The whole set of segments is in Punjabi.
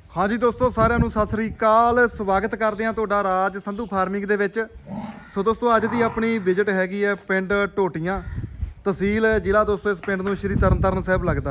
हाँ जी दोस्तों साਰਿਆਂ ਨੂੰ ਸਤਿ ਸ੍ਰੀ ਅਕਾਲ ਸਵਾਗਤ ਕਰਦੇ ਹਾਂ ਤੁਹਾਡਾ ਰਾਜ ਸੰਧੂ ਫਾਰਮਿੰਗ ਦੇ ਵਿੱਚ। ਸੋ ਦੋਸਤੋ ਅੱਜ ਦੀ ਆਪਣੀ ਵਿਜ਼ਿਟ ਹੈਗੀ ਹੈ ਪਿੰਡ ਢੋਟੀਆਂ, ਤਹਿਸੀਲ ਜ਼ਿਲ੍ਹਾ ਦੋਸਤੋ ਇਸ ਪਿੰਡ ਨੂੰ ਸ਼੍ਰੀ ਤਰਨਤਾਰਨ ਸਾਹਿਬ ਲੱਗਦਾ।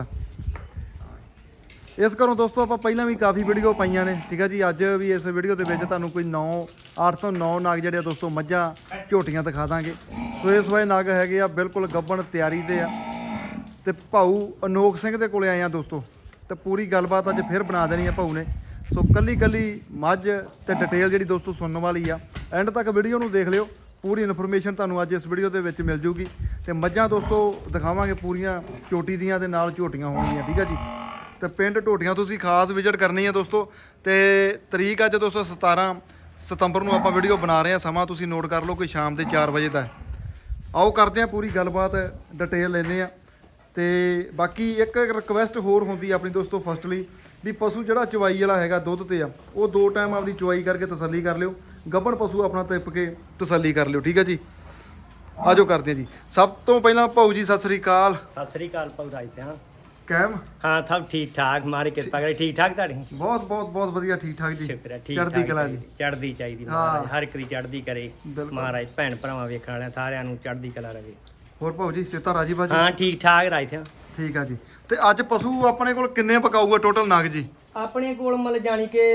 ਇਸ ਘਰੋਂ ਦੋਸਤੋ ਆਪਾਂ ਪਹਿਲਾਂ ਵੀ ਕਾਫੀ ਵੀਡੀਓ ਪਾਈਆਂ ਨੇ, ਠੀਕ ਹੈ ਜੀ। ਅੱਜ ਵੀ ਇਸ ਵੀਡੀਓ ਦੇ ਵਿੱਚ ਤੁਹਾਨੂੰ ਕੋਈ 8 ਤੋਂ 9 ਨਾਗ ਜਿਹੜੇ ਆ ਦੋਸਤੋ ਮੱਝਾਂ ਝੋਟੀਆਂ ਦਿਖਾ ਦਾਂਗੇ। ਸੋ ਇਸ ਵਾਏ ਨਾਗ ਹੈਗੇ ਆ ਬਿਲਕੁਲ ਗੱਭਣ ਤਿਆਰੀ ਦੇ ਆ ਤੇ ਭਾਊ ਅਨੋਖ ਸਿੰਘ ਦੇ ਕੋਲੇ ਆਏ ਆ ਦੋਸਤੋ। ਤੇ ਪੂਰੀ ਗੱਲਬਾਤ ਅੱਜ ਫਿਰ ਬਣਾ ਦੇਣੀ ਆ ਭਾਊ ਨੇ। ਸੋ ਕੱਲੀ ਮੱਝ ਤੇ ਡਿਟੇਲ ਜਿਹੜੀ ਦੋਸਤੋ ਸੁਣਨ ਵਾਲੀ ਆ, ਐਂਡ ਤੱਕ ਵੀਡੀਓ ਨੂੰ ਦੇਖ ਲਿਓ, ਪੂਰੀ ਇਨਫੋਰਮੇਸ਼ਨ ਤੁਹਾਨੂੰ ਅੱਜ ਇਸ ਵੀਡੀਓ ਦੇ ਵਿੱਚ ਮਿਲ ਜੂਗੀ। ਤੇ ਮੱਝਾਂ ਦੋਸਤੋ ਦਿਖਾਵਾਂਗੇ ਪੂਰੀਆਂ ਝੋਟੀ ਦੀਆਂ ਤੇ ਨਾਲ ਝੋਟੀਆਂ ਹੋਣਗੀਆਂ, ਠੀਕ ਆ ਜੀ। ਤੇ ਪਿੰਡ ਢੋਟੀਆਂ ਤੁਸੀਂ ਖਾਸ ਵਿਜ਼ਿਟ ਕਰਨੀ ਆ ਦੋਸਤੋ। ਤੇ ਤਰੀਕ ਅੱਜ ਦੋਸਤੋ 17 ਸਤੰਬਰ ਨੂੰ ਆਪਾਂ ਵੀਡੀਓ ਬਣਾ ਰਹੇ ਆ। ਸਮਾਂ ਤੁਸੀਂ ਨੋਟ ਕਰ ਲਓ, ਕੋਈ ਸ਼ਾਮ ਦੇ 4 ਵਜੇ ਦਾ। ਆਓ ਕਰਦੇ ਆ ਪੂਰੀ ਗੱਲਬਾਤ, ਡਿਟੇਲ ਲੈਂਦੇ ਆ। ਤੇ ਬਾਕੀ ਇੱਕ ਰਿਕਵੈਸਟ ਹੋਰ ਹੁੰਦੀ ਆਪਣੀ ਦੋਸਤੋ ਫਸਟਲੀ, ਵੀ ਪਸ਼ੂ ਜਿਹੜਾ ਚਵਾਈ ਵਾਲਾ ਹੈਗਾ ਦੁੱਧ ਤੇ ਆ, ਉਹ 2 ਟਾਈਮ ਆਪਦੀ ਚਵਾਈ ਕਰਕੇ ਤਸੱਲੀ ਕਰ ਲਿਓ। ਗੱਭਣ ਪਸ਼ੂ ਆਪਣਾ ਤਿੱਪ ਕੇ ਤਸੱਲੀ ਕਰ ਲਿਓ, ਠੀਕ ਹੈ ਜੀ। ਆਜੋ ਕਰਦੇ ਆ ਜੀ। ਸਭ ਤੋਂ ਪਹਿਲਾਂ ਭਾਊ ਜੀ ਸਤਿ ਸ੍ਰੀ ਅਕਾਲ। ਸਤਿ ਸ੍ਰੀ ਅਕਾਲ ਭਾਊ ਰਾਜ ਤੇ। ਕਾਇਮ? ਹਾਂ ਸਭ ਠੀਕ ਠਾਕ, ਮਾਰੇ ਕਿਰਪਾ ਕਰੇ। ਠੀਕ ਠਾਕ ਤੁਹਾਡੀ? ਬਹੁਤ ਵਧੀਆ, ਠੀਕ ਠਾਕ ਜੀ। ਸ਼ੁਕਰ ਹੈ, ਠੀਕ ਚੜ੍ਹਦੀ ਕਲਾ ਜੀ। ਚੜ੍ਹਦੀ ਚਾਹੀਦੀ ਮਹਾਰਾਜ, ਹਰ ਇੱਕ ਦੀ ਚੜ੍ਹਦੀ ਕਰੇ ਮਹਾਰਾਜ। ਭੈਣ ਭਰਾਵਾਂ ਵੇਖਣ ਵਾਲਿਆਂ ਸਾਰਿਆਂ ਨੂੰ ਚੜ੍ਹਦੀ ਕਲਾ ਰਵੇ। ਹੋਰ ਭਾਊ ਜੀ ਸਿਹਤਾਂ ਰਾਜੀ ਬਾਜੀ? ਹਾਂ ਠੀਕ ਠਾਕ ਰਾਜ ਤੇ। ਠੀਕ ਆ ਜੀ। ਤੇ ਅੱਜ ਪਸ਼ੂ ਆਪਣੇ ਕੋਲ ਕਿੰਨੇ ਪਕਾਊਗਾ ਟੋਟਲ ਨਾਗ ਜੀ? ਆਪਣੇ ਕੋਲ ਮਤਲਬ ਜਾਣੀ ਕਿ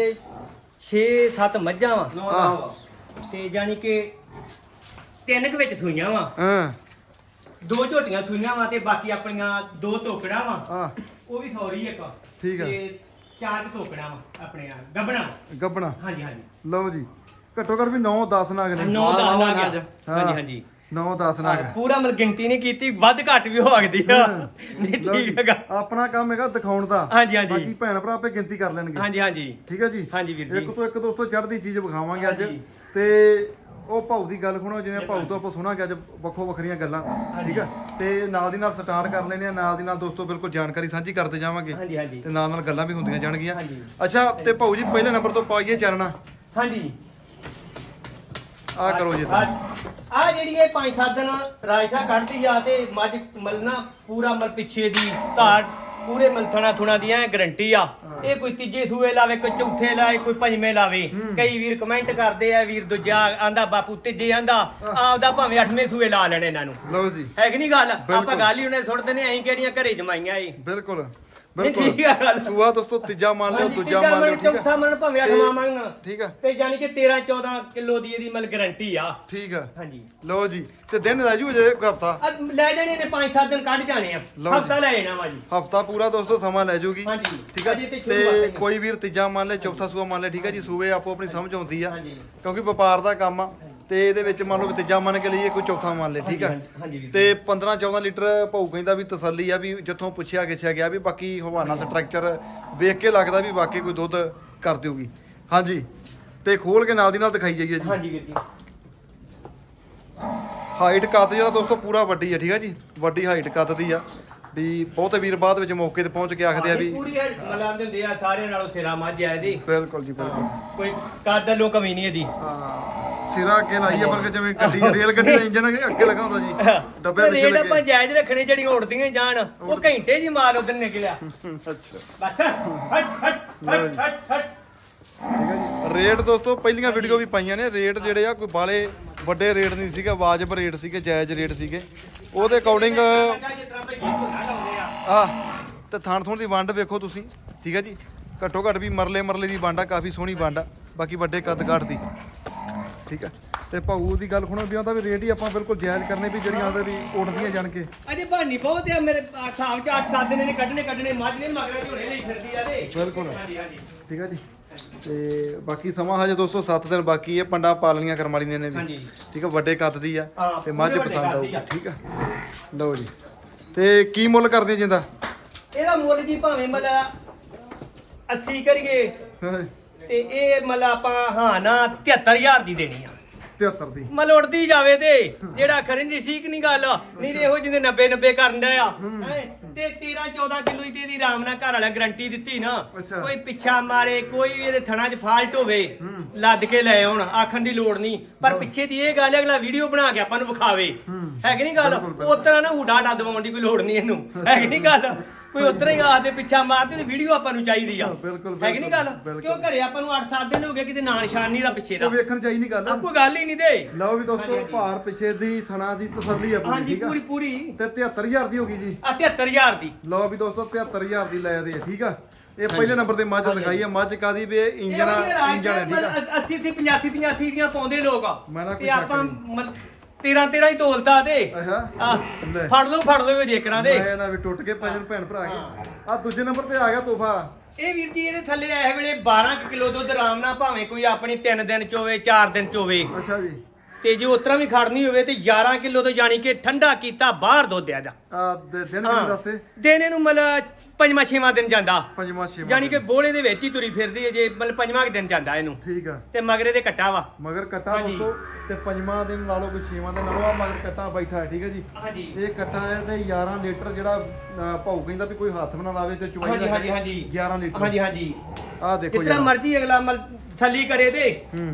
6-7 ਮੱਝਾਂ ਵਾ ਤੇ ਜਾਣੀ ਕਿ 3 ਕੁ ਵਿੱਚ ਸੂਈਆਂ ਵਾ। ਹਾਂ 2 ਝੋਟੀਆਂ ਸੂਈਆਂ ਵਾ ਤੇ ਬਾਕੀ ਆਪਣੀਆਂ 2 ਟੋਕੜਾਂ ਵਾ। ਹਾਂ ਉਹ ਵੀ ਸੌਰੀ ਇੱਕ। ਠੀਕ ਆ। ਤੇ 4 ਟੋਕੜਾਂ ਵਾ ਆਪਣੀਆਂ ਗੱਬਣਾ। ਗੱਬਣਾ? ਹਾਂਜੀ ਹਾਂਜੀ। ਲਓ ਜੀ, ਘੱਟੋ ਘੱਟ ਵੀ 9-10 ਨਾਗ ਨੇ। 9-10 ਲੱਗ ਗਿਆ। ਹਾਂਜੀ ਹਾਂਜੀ। 9-10 ਨਾਗ। ਪੂਰਾ ਮਤਲਬ ਗਿਣਤੀ ਨਹੀਂ ਕੀਤੀ, ਵੱਧ ਘੱਟ ਵੀ ਹੋ ਸਕਦੀ ਆ। ਨਹੀਂ ਠੀਕ ਹੈਗਾ। ਆਪਣਾ ਕੰਮ ਹੈਗਾ ਦਿਖਾਉਣ ਦਾ। ਹਾਂਜੀ ਹਾਂਜੀ। ਬਾਕੀ ਭੈਣ ਭਰਾ ਆਪੇ ਗਿਣਤੀ ਕਰ ਲੈਣਗੇ। ਹਾਂਜੀ ਹਾਂਜੀ। ਠੀਕ ਹੈ ਜੀ। ਹਾਂਜੀ ਵੀਰ ਜੀ। ਇੱਕ ਤੋਂ ਇੱਕ ਦੋਸਤੋ ਚੜ੍ਹਦੀ ਚੀਜ਼ ਵਿਖਾਵਾਂਗੇ ਅੱਜ। ਤੇ ਉਹ ਭਾਊ ਦੀ ਗੱਲ ਸੁਣੋ, ਜਿਵੇਂ ਭਾਊ ਤੋਂ ਆਪਾਂ ਸੁਣਾਂਗੇ ਅੱਜ ਵੱਖੋ ਵੱਖਰੀਆਂ ਗੱਲਾਂ, ਠੀਕ ਆ। ਤੇ ਨਾਲ ਦੀ ਨਾਲ ਸਟਾਰਟ ਕਰ ਲੈਣੇ ਆ, ਨਾਲ ਦੀ ਨਾਲ ਦੋਸਤੋ ਬਿਲਕੁਲ ਜਾਣਕਾਰੀ ਸਾਂਝੀ ਕਰਦੇ ਜਾਵਾਂਗੇ। ਹਾਂਜੀ ਹਾਂਜੀ। ਤੇ ਨਾਲ ਗੱਲਾਂ ਵੀ ਹੁੰਦੀਆਂ ਜਾਣਗੀਆਂ। ਹਾਂਜੀ। ਅੱਛਾ ਤੇ ਭਾਊ ਜੀ ਪਹਿਲੇ ਨੰਬਰ ਤੋਂ ਪਾਈਏ ਚਰਨਾ। ਹਾਂਜੀ। ਆ ਕਰੋ ਜੀ। ਆ ਜਿਹੜੀ ਇਹ 5-7 ਦਿਨ ਰਾਜਸਾ ਕੱਢਦੀ ਆ ਤੇ ਮੱਝ ਮਲਣਾ ਪੂਰਾ ਮਲ ਪਿੱਛੇ ਦੀ ਧਾਰ ਪੂਰੇ ਮਲਥਣਾ ਥੁਣਾ ਦੀ ਐ ਗਰੰਟੀ ਆ। ਇਹ ਕੋਈ ਤੀਜੇ ਸੂਏ ਲਾਵੇ, ਕੋਈ ਚੌਥੇ ਲਾਵੇ, ਕੋਈ ਪੰਜਵੇਂ ਲਾਵੇ। ਕਈ ਵੀਰ ਕਮੈਂਟ ਕਰਦੇ ਆ, ਵੀਰ ਦੂਜਾ ਆਂਦਾ ਬਾਪੂ ਤੀਜੇ ਆਂਦਾ ਆਪਦਾ ਭਾਵੇਂ 8ਵੇਂ ਸੂਏ ਲਾ ਲੈਣੇ ਇਹਨਾਂ ਨੂੰ। ਲਓ ਜੀ, ਹੈ ਕਿ ਨਹੀਂ ਗੱਲ? ਆਪਾਂ ਗੱਲ ਹੀ ਉਹਨੇ ਸੁੱਟ ਦਿੰਦੇ, ਅਸੀਂ ਕਿਹੜੀਆਂ ਘਰੇ ਜਮਾਈਆਂ ਇਹ। ਬਿਲਕੁਲ ਠੀਕ ਆ ਗੱਲ। ਸੂਆ ਦੋਸਤੋ ਤੀਜਾ ਮੰਨ ਲਿਓ, ਦੂਜਾ ਮੰਨ ਲਿਓ, ਠੀਕ ਚੌਥਾ ਮੰਨ ਭਾਵੇਂ 8ਵਾਂ ਮੰਨ। ਠੀਕ ਆ। ਤੇ ਜਾਨੀ ਕਿ 13-14 ਕਿਲੋ ਦੀ ਇਹਦੀ ਮਲ ਗਾਰੰਟੀ ਆ। ਠੀਕ ਆ। ਹਾਂਜੀ। ਲਓ ਜੀ, ਤੇ ਦਿਨ ਲੈ ਜੂ ਜੇ ਇੱਕ ਹਫਤਾ ਲੈ ਜਾਣੇ ਨੇ 5-7 ਦਿਨ ਕੱਢ ਜਾਣੇ ਆ। ਹਫਤਾ ਲੈ ਜਾਣਾ ਵਾ ਜੀ। ਹਫਤਾ ਪੂਰਾ ਦੋਸਤੋ ਸਮਾਂ ਲੈ ਜੂਗੀ। ਹਾਂਜੀ। ਠੀਕ ਆ। ਅਜੇ ਤੇ ਤੇ ਸ਼ੁਰੂਆਤ ਹੈ। ਕੋਈ ਵੀਰ ਤੀਜਾ ਮੰਨ ਲੈ, ਚੌਥਾ ਸੂਆ ਮੰਨ ਲੈ, ਠੀਕ ਆ ਜੀ। ਸੂਏ ਆਪੋ ਆਪਣੀ ਸਮਝ ਆਉਂਦੀ ਆ, ਹਾਂਜੀ। ਕਿਉਂਕਿ ਵਪਾਰ ਦਾ ਕੰਮ ਆ। ਤੇ ਇਹਦੇ ਵਿੱਚ ਮੰਨ ਲਓ ਤੀਜਾ ਮੰਨ ਕੇ ਲਈਏ, ਕੋਈ ਚੌਥਾ ਮੰਨ ਲੈ, ਠੀਕ ਆ। ਹਾਂਜੀ ਵੀਰ। ਤੇ 15-14 ਲੀਟਰ ਭਾਊ ਕਹਿੰਦਾ ਵੀ ਤਸੱਲੀ ਆ, ਵੀ ਜਿੱਥੋਂ ਪੁੱਛਿਆ ਗਿੱਛਿਆ ਗਿਆ ਵੀ ਬਾਕੀ ਹਵਾਨਾ ਸਟਰਕਚਰ ਵੇਖ ਕੇ ਲੱਗਦਾ ਵੀ ਵਾਕਈ ਕੋਈ ਦੁੱਧ ਕਰ ਦਿਓਗੀ। ਹਾਂਜੀ। ਤੇ ਖੋਲ ਕੇ ਨਾਲ ਦੀ ਨਾਲ ਦਿਖਾਈ ਜਾਈਏ ਜੀ। ਹਾਂਜੀ ਵੀਰ ਜੀ। ਹਾਈਟ ਕੱਦ ਜਿਹੜਾ ਦੋਸਤੋ ਪੂਰਾ ਵੱਡੀ ਆ, ਠੀਕ ਆ ਜੀ। ਵੱਡੀ ਹਾਈਟ ਕੱਦ ਦੀ ਆ। ਵੀ ਬਹੁਤੇ ਵੀਰ ਬਾਅਦ ਵਿੱਚ ਮੌਕੇ ਤੇ ਪਹੁੰਚ ਕੇ ਆਖਦੇ ਆ ਵੀ ਪੂਰੀ ਮਲਾਂਦੇ ਹੁੰਦੇ ਆ ਸਾਰਿਆਂ ਨਾਲੋਂ ਸਿਰਾ ਮੱਝ ਆ ਇਹਦੀ। ਬਿਲਕੁਲ ਜੀ, ਬਿਲਕੁਲ। ਕੋਈ ਕੱਦ ਲੋ ਕਮੀ ਨਹੀਂ ਇਹਦੀ। ਹਾਂ, ਸਿਰਾ ਅੱਗੇ ਲਾਈਏ, ਬਲਕਿ ਜਿਵੇਂ ਗੱਡੀ ਰੇਲ ਗੱਡੀ ਦਾ ਇੰਜਨ ਅੱਗੇ ਲਗਾ ਹੁੰਦਾ ਜੀ, ਡੱਬੇ ਪਿੱਛੇ ਰੇਟ ਲੱਗੇ। ਆਪਾਂ ਜਾਇਜ਼ ਰੱਖਣੇ, ਜਿਹੜੀਆਂ ਉੜਦੀਆਂ ਜਾਣ। ਉਹ ਘੰਟੇ ਜੀ ਮਾਲ ਉਧਰ ਨਿਕਲਿਆ। ਅੱਛਾ, ਬਸ ਹਟ ਹਟ ਹਟ ਹਟ ਹਟ। ਠੀਕ ਹੈ ਜੀ। ਰੇਟ ਦੋਸਤੋ ਪਹਿਲੀਆਂ ਵੀਡੀਓ ਵੀ ਪਾਈਆਂ ਨੇ, ਰੇਟ ਜਿਹੜੇ ਆ ਕੋਈ ਬਾਲੇ ਵੱਡੇ ਰੇਟ ਨਹੀਂ ਸੀਗਾ, ਵਾਜਬ ਰੇਟ ਸੀਗੇ, ਜਾਇਜ਼ ਰੇਟ ਸੀਗੇ। ਉਹਦੇ ਅਕੋਰਡਿੰਗ ਜਿਸ ਤਰ੍ਹਾਂ ਭਈ ਝੋਨਾ ਲਾਉਂਦੇ ਆ। ਤੇ ਥਣ ਥੁਣ ਦੀ ਵੰਡ ਵੇਖੋ ਤੁਸੀਂ, ਠੀਕ ਹੈ ਜੀ। ਘੱਟੋ ਘੱਟ ਵੀ ਮਰਲੇ ਦੀ ਵੰਡ ਆ, ਕਾਫੀ ਸੋਹਣੀ ਵੰਡ ਆ। ਬਾਕੀ ਵੱਡੇ ਕੱਦ ਕਾਠ ਦੀ, ਠੀਕ ਹੈ। ਤੇ ਭਾਊ ਦੀ ਗੱਲ ਸੁਣੋ ਵੀ ਆਉਂਦਾ ਵੀ ਰੇਟ ਹੀ ਆਪਾਂ ਬਿਲਕੁਲ ਜਾਇਜ਼ ਕਰਨੇ, ਵੀ ਜਿਹੜੀਆਂ ਆਉਂਦੇ ਵੀ ਉੱਡਦੀਆਂ ਜਾਣ ਕੇ। ਅਜੇ ਭਾਨੀ ਬਹੁਤ ਆ ਮੇਰੇ ਹਿਸਾਬ ਚ 8-7 ਦਿਨ ਨੇ ਕੱਢਣੇ ਮੱਝ ਨੇ ਮਗਰ ਝੋਨੇ ਲਈ ਫਿਰਦੀ ਆ ਤੇ। ਬਿਲਕੁਲ। ਹਾਂਜੀ ਹਾਂਜੀ। ਠੀਕ ਹੈ ਜੀ। ਤੇ ਬਾਕੀ ਸਮਾਂ ਹਜੇ ਦੋਸਤੋ 7 ਦਿਨ ਬਾਕੀ ਹੈ। ਪੰਡਾ ਪਾਲਣੀਆਂ ਕਰਮ ਵਾਲੀਆਂ ਨੇ ਵੀ, ਹਾਂਜੀ। ਠੀਕ ਹੈ। ਵੱਡੇ ਕੱਦ ਦੀ ਆ ਹਾਂ, ਤੇ ਮੱਝ ਪੂਰੇ ਪਸੰਦ ਵੱਡੇ ਆਊਗੀ, ਕੱਦ ਠੀਕ ਆ। ਲਓ ਜੀ, ਤੇ ਕੀ ਮੁੱਲ ਕਰਦੇ ਜਿੰਦਾ? ਇਹਦਾ ਮੁੱਲ ਜੀ ਭਾਵੇਂ ਮਤਲਬ 80 ਕਰੀਏ ਤੇ ਇਹ ਮਤਲਬ ਆਪਾਂ ਹਾਂ ਨਾ 73000 ਦੀ ਦੇਣੀ ਆ। 73 ਦੀ ਮਤਲਬ ਉੜਦੀ ਜਾਵੇ ਤੇ ਜਿਹੜਾ ਖਰੇ ਨਹੀਂ, ਠੀਕ ਨਹੀਂ ਗੱਲ। ਨਹੀਂ ਤੇ ਇਹੋ ਜਿਹੇ 90 ਕਰਨ ਦਾ ਆ ਹੈਂ। ਤੇ 13-14 ਕਿਲੋ ਦੀ ਇਹਦੀ ਆਰਾਮ ਨਾਲ ਘਰ ਵਾਲਾ ਗਰੰਟੀ ਦਿੱਤੀ ਨਾ। ਅੱਛਾ। ਕੋਈ ਪਿੱਛਾ ਮਾਰੇ, ਕੋਈ ਵੀ ਇਹਦੇ ਥਣਾ 'ਚ ਫਾਲਟ ਹੋਵੇ, ਲੱਦ ਕੇ ਲੈ ਆਉਣ, ਆਖਣ ਦੀ ਲੋੜ ਨਹੀਂ। ਪਰ ਪਿੱਛੇ ਦੀ ਇਹ ਗੱਲ ਹੈ, ਅਗਲਾ ਵੀਡੀਓ ਬਣਾ ਕੇ ਆਪਾਂ ਨੂੰ ਵਿਖਾਵੇ। ਹੈ ਕਿ ਨਹੀਂ ਗੱਲ? ਉਸ ਤਰ੍ਹਾਂ ਨਾ ਹੁਡਾ ਡਾ ਦਵਾਉਣ ਦੀ ਕੋਈ ਲੋੜ ਨਹੀਂ ਇਹਨੂੰ, ਹੈ ਕਿ ਨਹੀਂ ਗੱਲ? ਕੋਈ ਉਤਰਾ ਹੀ ਆਖਦੇ ਪਿੱਛਾ ਮਾਰਦੇ ਤੇ ਵੀਡੀਓ ਆਪਾਂ ਨੂੰ ਚਾਹੀਦੀ ਆ ਬਿਲਕੁਲ, ਹੈ ਕਿ ਨਹੀਂ ਗੱਲ ਬਿਲਕੁਲ। ਕਿਉਂ ਘਰੇ ਆਪਾਂ ਨੂੰ 8-7 ਦਿਨ ਹੋ ਗਏ ਕਿਤੇ ਨਾਂ ਨਿਸ਼ਾਨ ਨਹੀਂ ਦਾ ਪਿੱਛੇ ਦਾ ਉਹ ਵੇਖਣ ਚਾਹੀ ਨਹੀਂ ਗੱਲ ਕੋਈ ਗੱਲ ਹੀ ਨਹੀਂ ਦੇ ਲਓ ਵੀ ਦੋਸਤੋ ਹਾਂਜੀ। ਭਾਰ ਪਿਛੇ ਦੀ ਥਣਾ ਦੀ ਤਸੱਲੀ ਆ ਪੂਰੀ ਹਾਂਜੀ ਠੀਕ ਆ ਪੂਰੀ ਪੂਰੀ ਤੇ 73000 ਦੀ ਹੋ ਗਈ ਜੀ ਆ 73000 ਦੀ ਲਓ ਵੀ ਦੋਸਤੋ 73000 ਦੀ ਲੈ ਦੇ ਠੀਕ ਆ ਇਹ ਪਹਿਲੇ ਨੰਬਰ ਤੇ ਮੱਝ ਦਿਖਾਈ ਆ ਮੱਝ ਕਾਦੀ ਵੀ ਇਹ ਇੰਜਣ ਹੈ ਠੀਕ ਆ 80 85 ਦੀਆਂ ਪਾਉਂਦੇ ਲੋਕ ਆ ਮੈਂ ਨਾ ਕੋਈ ਤੇ ਸ਼ੱਕ ਆਪਾਂ ਨਹੀਂ। 13 ਹੀ ਤੋਲਤਾ ਤੇ ਅੱਛਾ ਆ ਲੈ ਫੜ ਲਓ ਜੇਕਰਾਂ ਦੇ ਮੈਂ ਨਾ ਵੀ ਟੁੱਟ ਕੇ ਭਜਨ ਭੈਣ ਭਰਾ ਕੇ ਆ ਦੂਜੇ ਨੰਬਰ ਤੇ ਆ ਗਿਆ ਤੋਹਫਾ ਇਹ ਵੀਰ ਜੀ ਇਹਦੇ ਥੱਲੇ ਇਸ ਵੇਲੇ 12 ਕਿਲੋ ਦੁੱਧ ਆਰਾਮ ਨਾਲ ਭਾਵੇਂ ਕੋਈ ਆਪਣੀ 3 ਦਿਨ ਚ ਹੋਵੇ 4 ਦਿਨ ਚ ਹੋਵੇ ਅੱਛਾ ਜੀ ਤੇ ਜੇ ਉਤਰਾ ਵੀ ਖੜਨੀ ਹੋਵੇ ਤੇ 11 ਕਿਲੋ ਤੋਂ ਜਾਣੀ ਕਿ ਠੰਡਾ ਕੀਤਾ ਬਾਹਰ ਦੁੱਧ ਆ ਜਾ ਆ ਦਿਨ ਕਿੰਨੇ ਦੱਸੇ ਦਿਨ ਇਹਨੂੰ ਮਤਲਬ ਪੰਜਵਾਂ ਛੇਵਾਂ ਦਿਨ ਜਾਂਦਾ ਪੰਜਵਾਂ ਛੇਵਾਂ ਜਾਣੀ ਕਿ ਬੋਲੇ ਦੇ ਵਿੱਚ ਹੀ ਤੁਰੀ ਫਿਰਦੀ ਹੈ ਜੇ ਮਤਲਬ ਪੰਜਵਾਂ ਦਿਨ ਜਾਂਦਾ ਇਹਨੂੰ ਠੀਕ ਆ ਤੇ ਮਗਰੇ ਦੇ ਕੱਟਾ ਵਾ ਮਗਰ ਕੱਟਾ ਹਾਂਜੀ। ਦੋਸਤੋ ਤੇ ਪੰਜਵਾਂ ਦਿਨ ਲਾ ਲਓ ਕੋਈ ਛੇਵਾਂ ਦਿਨ ਲਾ ਲਓ ਆ ਮਗਰ ਕੱਟਾ ਬੈਠਾ ਹੈ ਠੀਕ ਹੈ ਜੀ ਹਾਂਜੀ ਇਹ ਕੱਟਾ ਹੈ ਤੇ 11 ਲੀਟਰ ਜਿਹੜਾ ਭਾਊ ਕਹਿੰਦਾ ਵੀ ਕੋਈ ਹੱਥ ਬਣਾ ਲਾਵੇ ਤੇ ਚੁਆਈ ਹਾਂਜੀ ਨਾ ਹਾਂਜੀ ਕਰੇ। ਹਾਂਜੀ 11 ਲੀਟਰ ਹਾਂਜੀ ਹਾਂਜੀ ਆ ਦੇਖੋ ਜਿਤਨਾ ਯਾਰ ਮਰਜੀ ਅਗਲਾ ਮਲ ਥੱਲੀ ਕਰੇ ਦੇ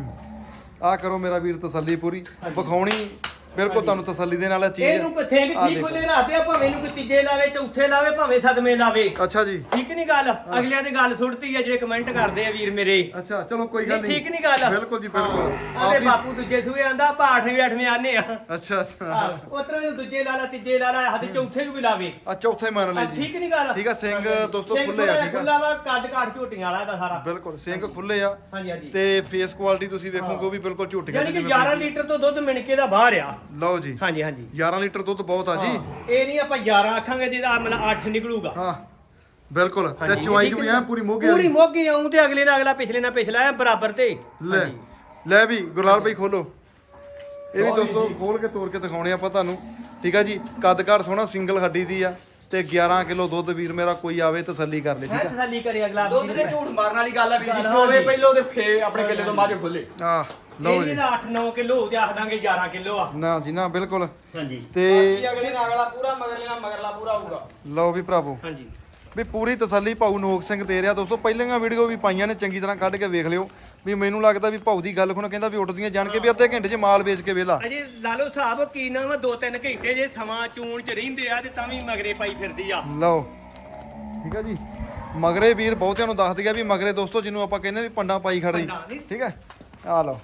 ਆ ਕਰੋ ਮੇਰਾ ਵੀਰ ਤਸੱਲੀ ਪੂਰੀ ਵਿਖਾਉਣੀ ਬਿਲਕੁਲ ਤੁਹਾਨੂੰ ਤਸੱਲੀ ਦੇ ਨਾਲ ਇਹ ਚੀਜ਼ ਇਹਨੂੰ ਕਿਥੇ ਵੀ ਆਹ ਠੀਕ ਦੇਖੋ। ਖੁੱਲੇ ਰੱਖਦੇ ਆ ਭਾਵੇਂ ਇਹਨੂੰ ਕੋਈ ਤੀਜੇ ਲਾਵੇ ਚੌਥੇ ਲਾਵੇ ਭਾਵੇਂ ਸਦਮੇ ਲਾਵੇ ਅੱਛਾ ਜੀ ਠੀਕ ਨਹੀਂ ਗੱਲ ਅਗਲਿਆਂ ਦੀ ਗੱਲ ਸੁਣਤੀ ਆ ਜਿਹੜੇ ਕਮੈਂਟ ਕਰਦੇ ਆ ਵੀਰ ਮੇਰੇ ਅੱਛਾ ਚਲੋ ਕੋਈ ਗੱਲ ਨਹੀਂ ਠੀਕ ਨਹੀਂ ਗੱਲ ਬਿਲਕੁਲ ਜੀ ਬਿਲਕੁਲ ਆਦੇ ਆਪਦੀ ਬਾਪੂ ਦੂਜੇ ਸੂਏ ਆਂਦਾ ਆਪਾਂ 8ਵੇਂ 8ਵੇਂ ਆਨੇ ਆ ਅੱਛਾ ਅੱਛਾ ਉਤਰਾ ਨੂੰ ਦੂਜੇ ਲਾ ਲਾ ਤੀਜੇ ਲਾ ਲਾ ਹੱਦ ਚੌਥੇ ਨੂੰ ਵੀ ਲਾਵੇ ਆ ਚੌਥੇ ਮੰਨ ਲੈ ਜੀ ਠੀਕ ਨਹੀਂ ਗੱਲ ਠੀਕ ਆ ਸਿੰਘ ਦੋਸਤੋ ਸਿੰਘ ਖੁੱਲੇ ਆ ਠੀਕ ਆ ਖੁੱਲਾ ਵਾ ਕੱਦ ਕਾਠ ਝੋਟੀਆਂ ਵਾਲਾ ਦਾ ਸਾਰਾ ਬਿਲਕੁਲ ਸਿੰਘ ਖੁੱਲੇ ਆ ਹਾਂਜੀ ਹਾਂਜੀ ਤੇ ਫੇਸ ਕੁਆਲਿਟੀ ਤੁਸੀਂ ਵੇਖੋਗੇ ਉਹ ਵੀ ਬਿਲਕੁਲ ਝੂਠੀਆਂ ਯਾਨੀ ਕਿ 11 ਲੀਟਰ ਤੋਂ ਦੁੱਧ ਮਿਣਕੇ ਦਾ ਬਾਹਰ ਆ ਲਓ ਜੀ ਹਾਂਜੀ ਹਾਂਜੀ 11 ਲੀਟਰ ਦੁੱਧ ਬਹੁਤ ਆ ਜੀ ਇਹ ਨਹੀਂ ਆਪਾਂ 11 ਆਖਾਂਗੇ ਜਿਹਦਾ ਮਤਲਬ 8 ਨਿਕਲੂਗਾ ਹਾਂ ਬਿਲਕੁਲ ਤੇ ਹਾਂਜੀ, ਚੁਆਈ ਠੀਕ ਵੀ ਹੈ। ਆ ਪੂਰੀ ਮੋਗੇ ਪੂਰੀ ਵਾਲੀ ਮੋਗੀ ਆਉਂ ਤੇ ਅਗਲੇ ਨਾਲ ਅਗਲਾ ਪਿਛਲੇ ਨਾਲ ਪਿਛਲਾ ਆ ਬਰਾਬਰ ਤੇ ਲੈ ਹਾਂਜੀ। ਲੈ ਵੀ ਗੁਰਲਾਲ ਭਾਈ ਖੋਲੋ ਇਹ ਵੀ ਦੋਸਤੋ ਖੋਲ ਕੇ ਤੋੜ ਕੇ ਦਿਖਾਉਣੇ ਆਪਾਂ ਤੁਹਾਨੂੰ ਠੀਕ ਆ ਜੀ ਕੱਦ ਘਾਟ ਸੋਹਣਾ ਸਿੰਗਲ ਹੱਡੀ ਦੀ ਆ ਤੇ 11 ਕਿਲੋ ਦੁੱਧ ਵੀਰ ਮੇਰਾ ਕੋਈ ਆਵੇ ਤਸੱਲੀ ਕਰ ਲੈ ਹੈ ਠੀਕ ਆ ਤਸੱਲੀ ਕਰੇ ਅਗਲਾ ਦੁੱਧ ਦੇ ਝੂਠ ਮਾਰਨ ਵਾਲੀ ਗੱਲ ਆ ਵੀਰ ਜੀ ਚੋਵੇ ਪਹਿਲੋਂ ਤੇ ਫੇ ਆਪਣੇ ਕਿੱਲੇ ਤੋਂ ਮੱਝ ਖੋਲੇ ਆ ਲਓ ਜੀ ਇਹਦਾ 8-9 ਕਿਲੋ ਤੇ ਆਖ ਦਾਂਗੇ 11 ਕਿਲੋ ਆ ਨਾ ਜੀ ਨਾ ਬਿਲਕੁਲ ਹਾਂਜੀ ਤੇ ਬਾਕੀ ਅਗਲੇ ਨਾਲ ਅਗਲਾ ਪੂਰਾ ਮਗਰਲੇ ਨਾਲ ਮਗਰਲਾ ਪੂਰਾ ਹੋਊਗਾ ਲਓ ਵੀ ਭਰਾਵੋ ਹਾਂਜੀ ਵੀ ਪੂਰੀ ਤਸੱਲੀ ਭਾਊ ਨੋਕ ਸਿੰਘ ਦੇ ਰਿਹਾ ਦੋਸਤੋ ਪਹਿਲੀਆਂ ਵੀਡੀਓ ਵੀ ਪਾਈਆਂ ਨੇ ਚੰਗੀ ਤਰ੍ਹਾਂ ਕੱਢ ਕੇ ਵੇਖ ਲਿਓ ਵੀ ਮੈਨੂੰ ਲੱਗਦਾ ਵੀ ਭਾਊ ਦੀ ਗੱਲ ਹੁਣ ਕਹਿੰਦਾ ਵੀ ਉੱਠਦੀਆਂ ਜਾਣ ਕੇ ਵੀ ਅੱਧੇ ਘੰਟੇ 'ਚ ਮਾਲ ਵੇਚ ਕੇ ਵਿਹਲਾ ਅਜੇ ਲਾ ਲਓ ਹਿਸਾਬ ਕੀ ਨਾ ਵਾ 2-3 ਘੰਟੇ ਜੇ ਸਮਾਂ ਚੂਣ ਚ ਰਹਿੰਦੇ ਆ ਤੇ ਤਾਂ ਵੀ ਮਗਰੇ ਪਾਈ ਫਿਰਦੀ ਆ ਲਓ ਠੀਕ ਆ ਜੀ ਮਗਰੇ ਵੀਰ ਬਹੁਤਿਆਂ ਨੂੰ ਦੱਸ ਦਿਆ ਵੀ ਮਗਰੇ ਦੋਸਤੋ ਜਿਹਨੂੰ ਆਪਾਂ ਕਹਿੰਦੇ ਵੀ ਪੰਡਾ ਪਾਈ ਖੜੀ ਪੰਡਾਂ ਨੀ। ਠੀਕ ਹੈ ਆ ਲਓ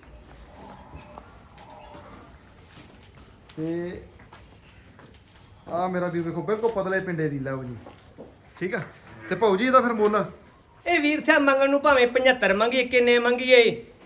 ਤੇ ਆ ਮੇਰਾ ਵੀਰ ਵੇਖੋ ਬਿਲਕੁਲ ਪਤਲੇ ਪਿੰਡੇ ਦੀ ਲਓ ਜੀ ਠੀਕ ਆ ਤੇ ਭਾਊ ਜੀ ਇਹਦਾ ਫਿਰ ਮੁੱਲ ਇਹ ਵੀਰ ਸਾਹਿਬ ਮੰਗਣ ਨੂੰ ਭਾਵੇਂ 75 ਮੰਗੀਏ ਕਿੰਨੇ ਮੰਗੀਏ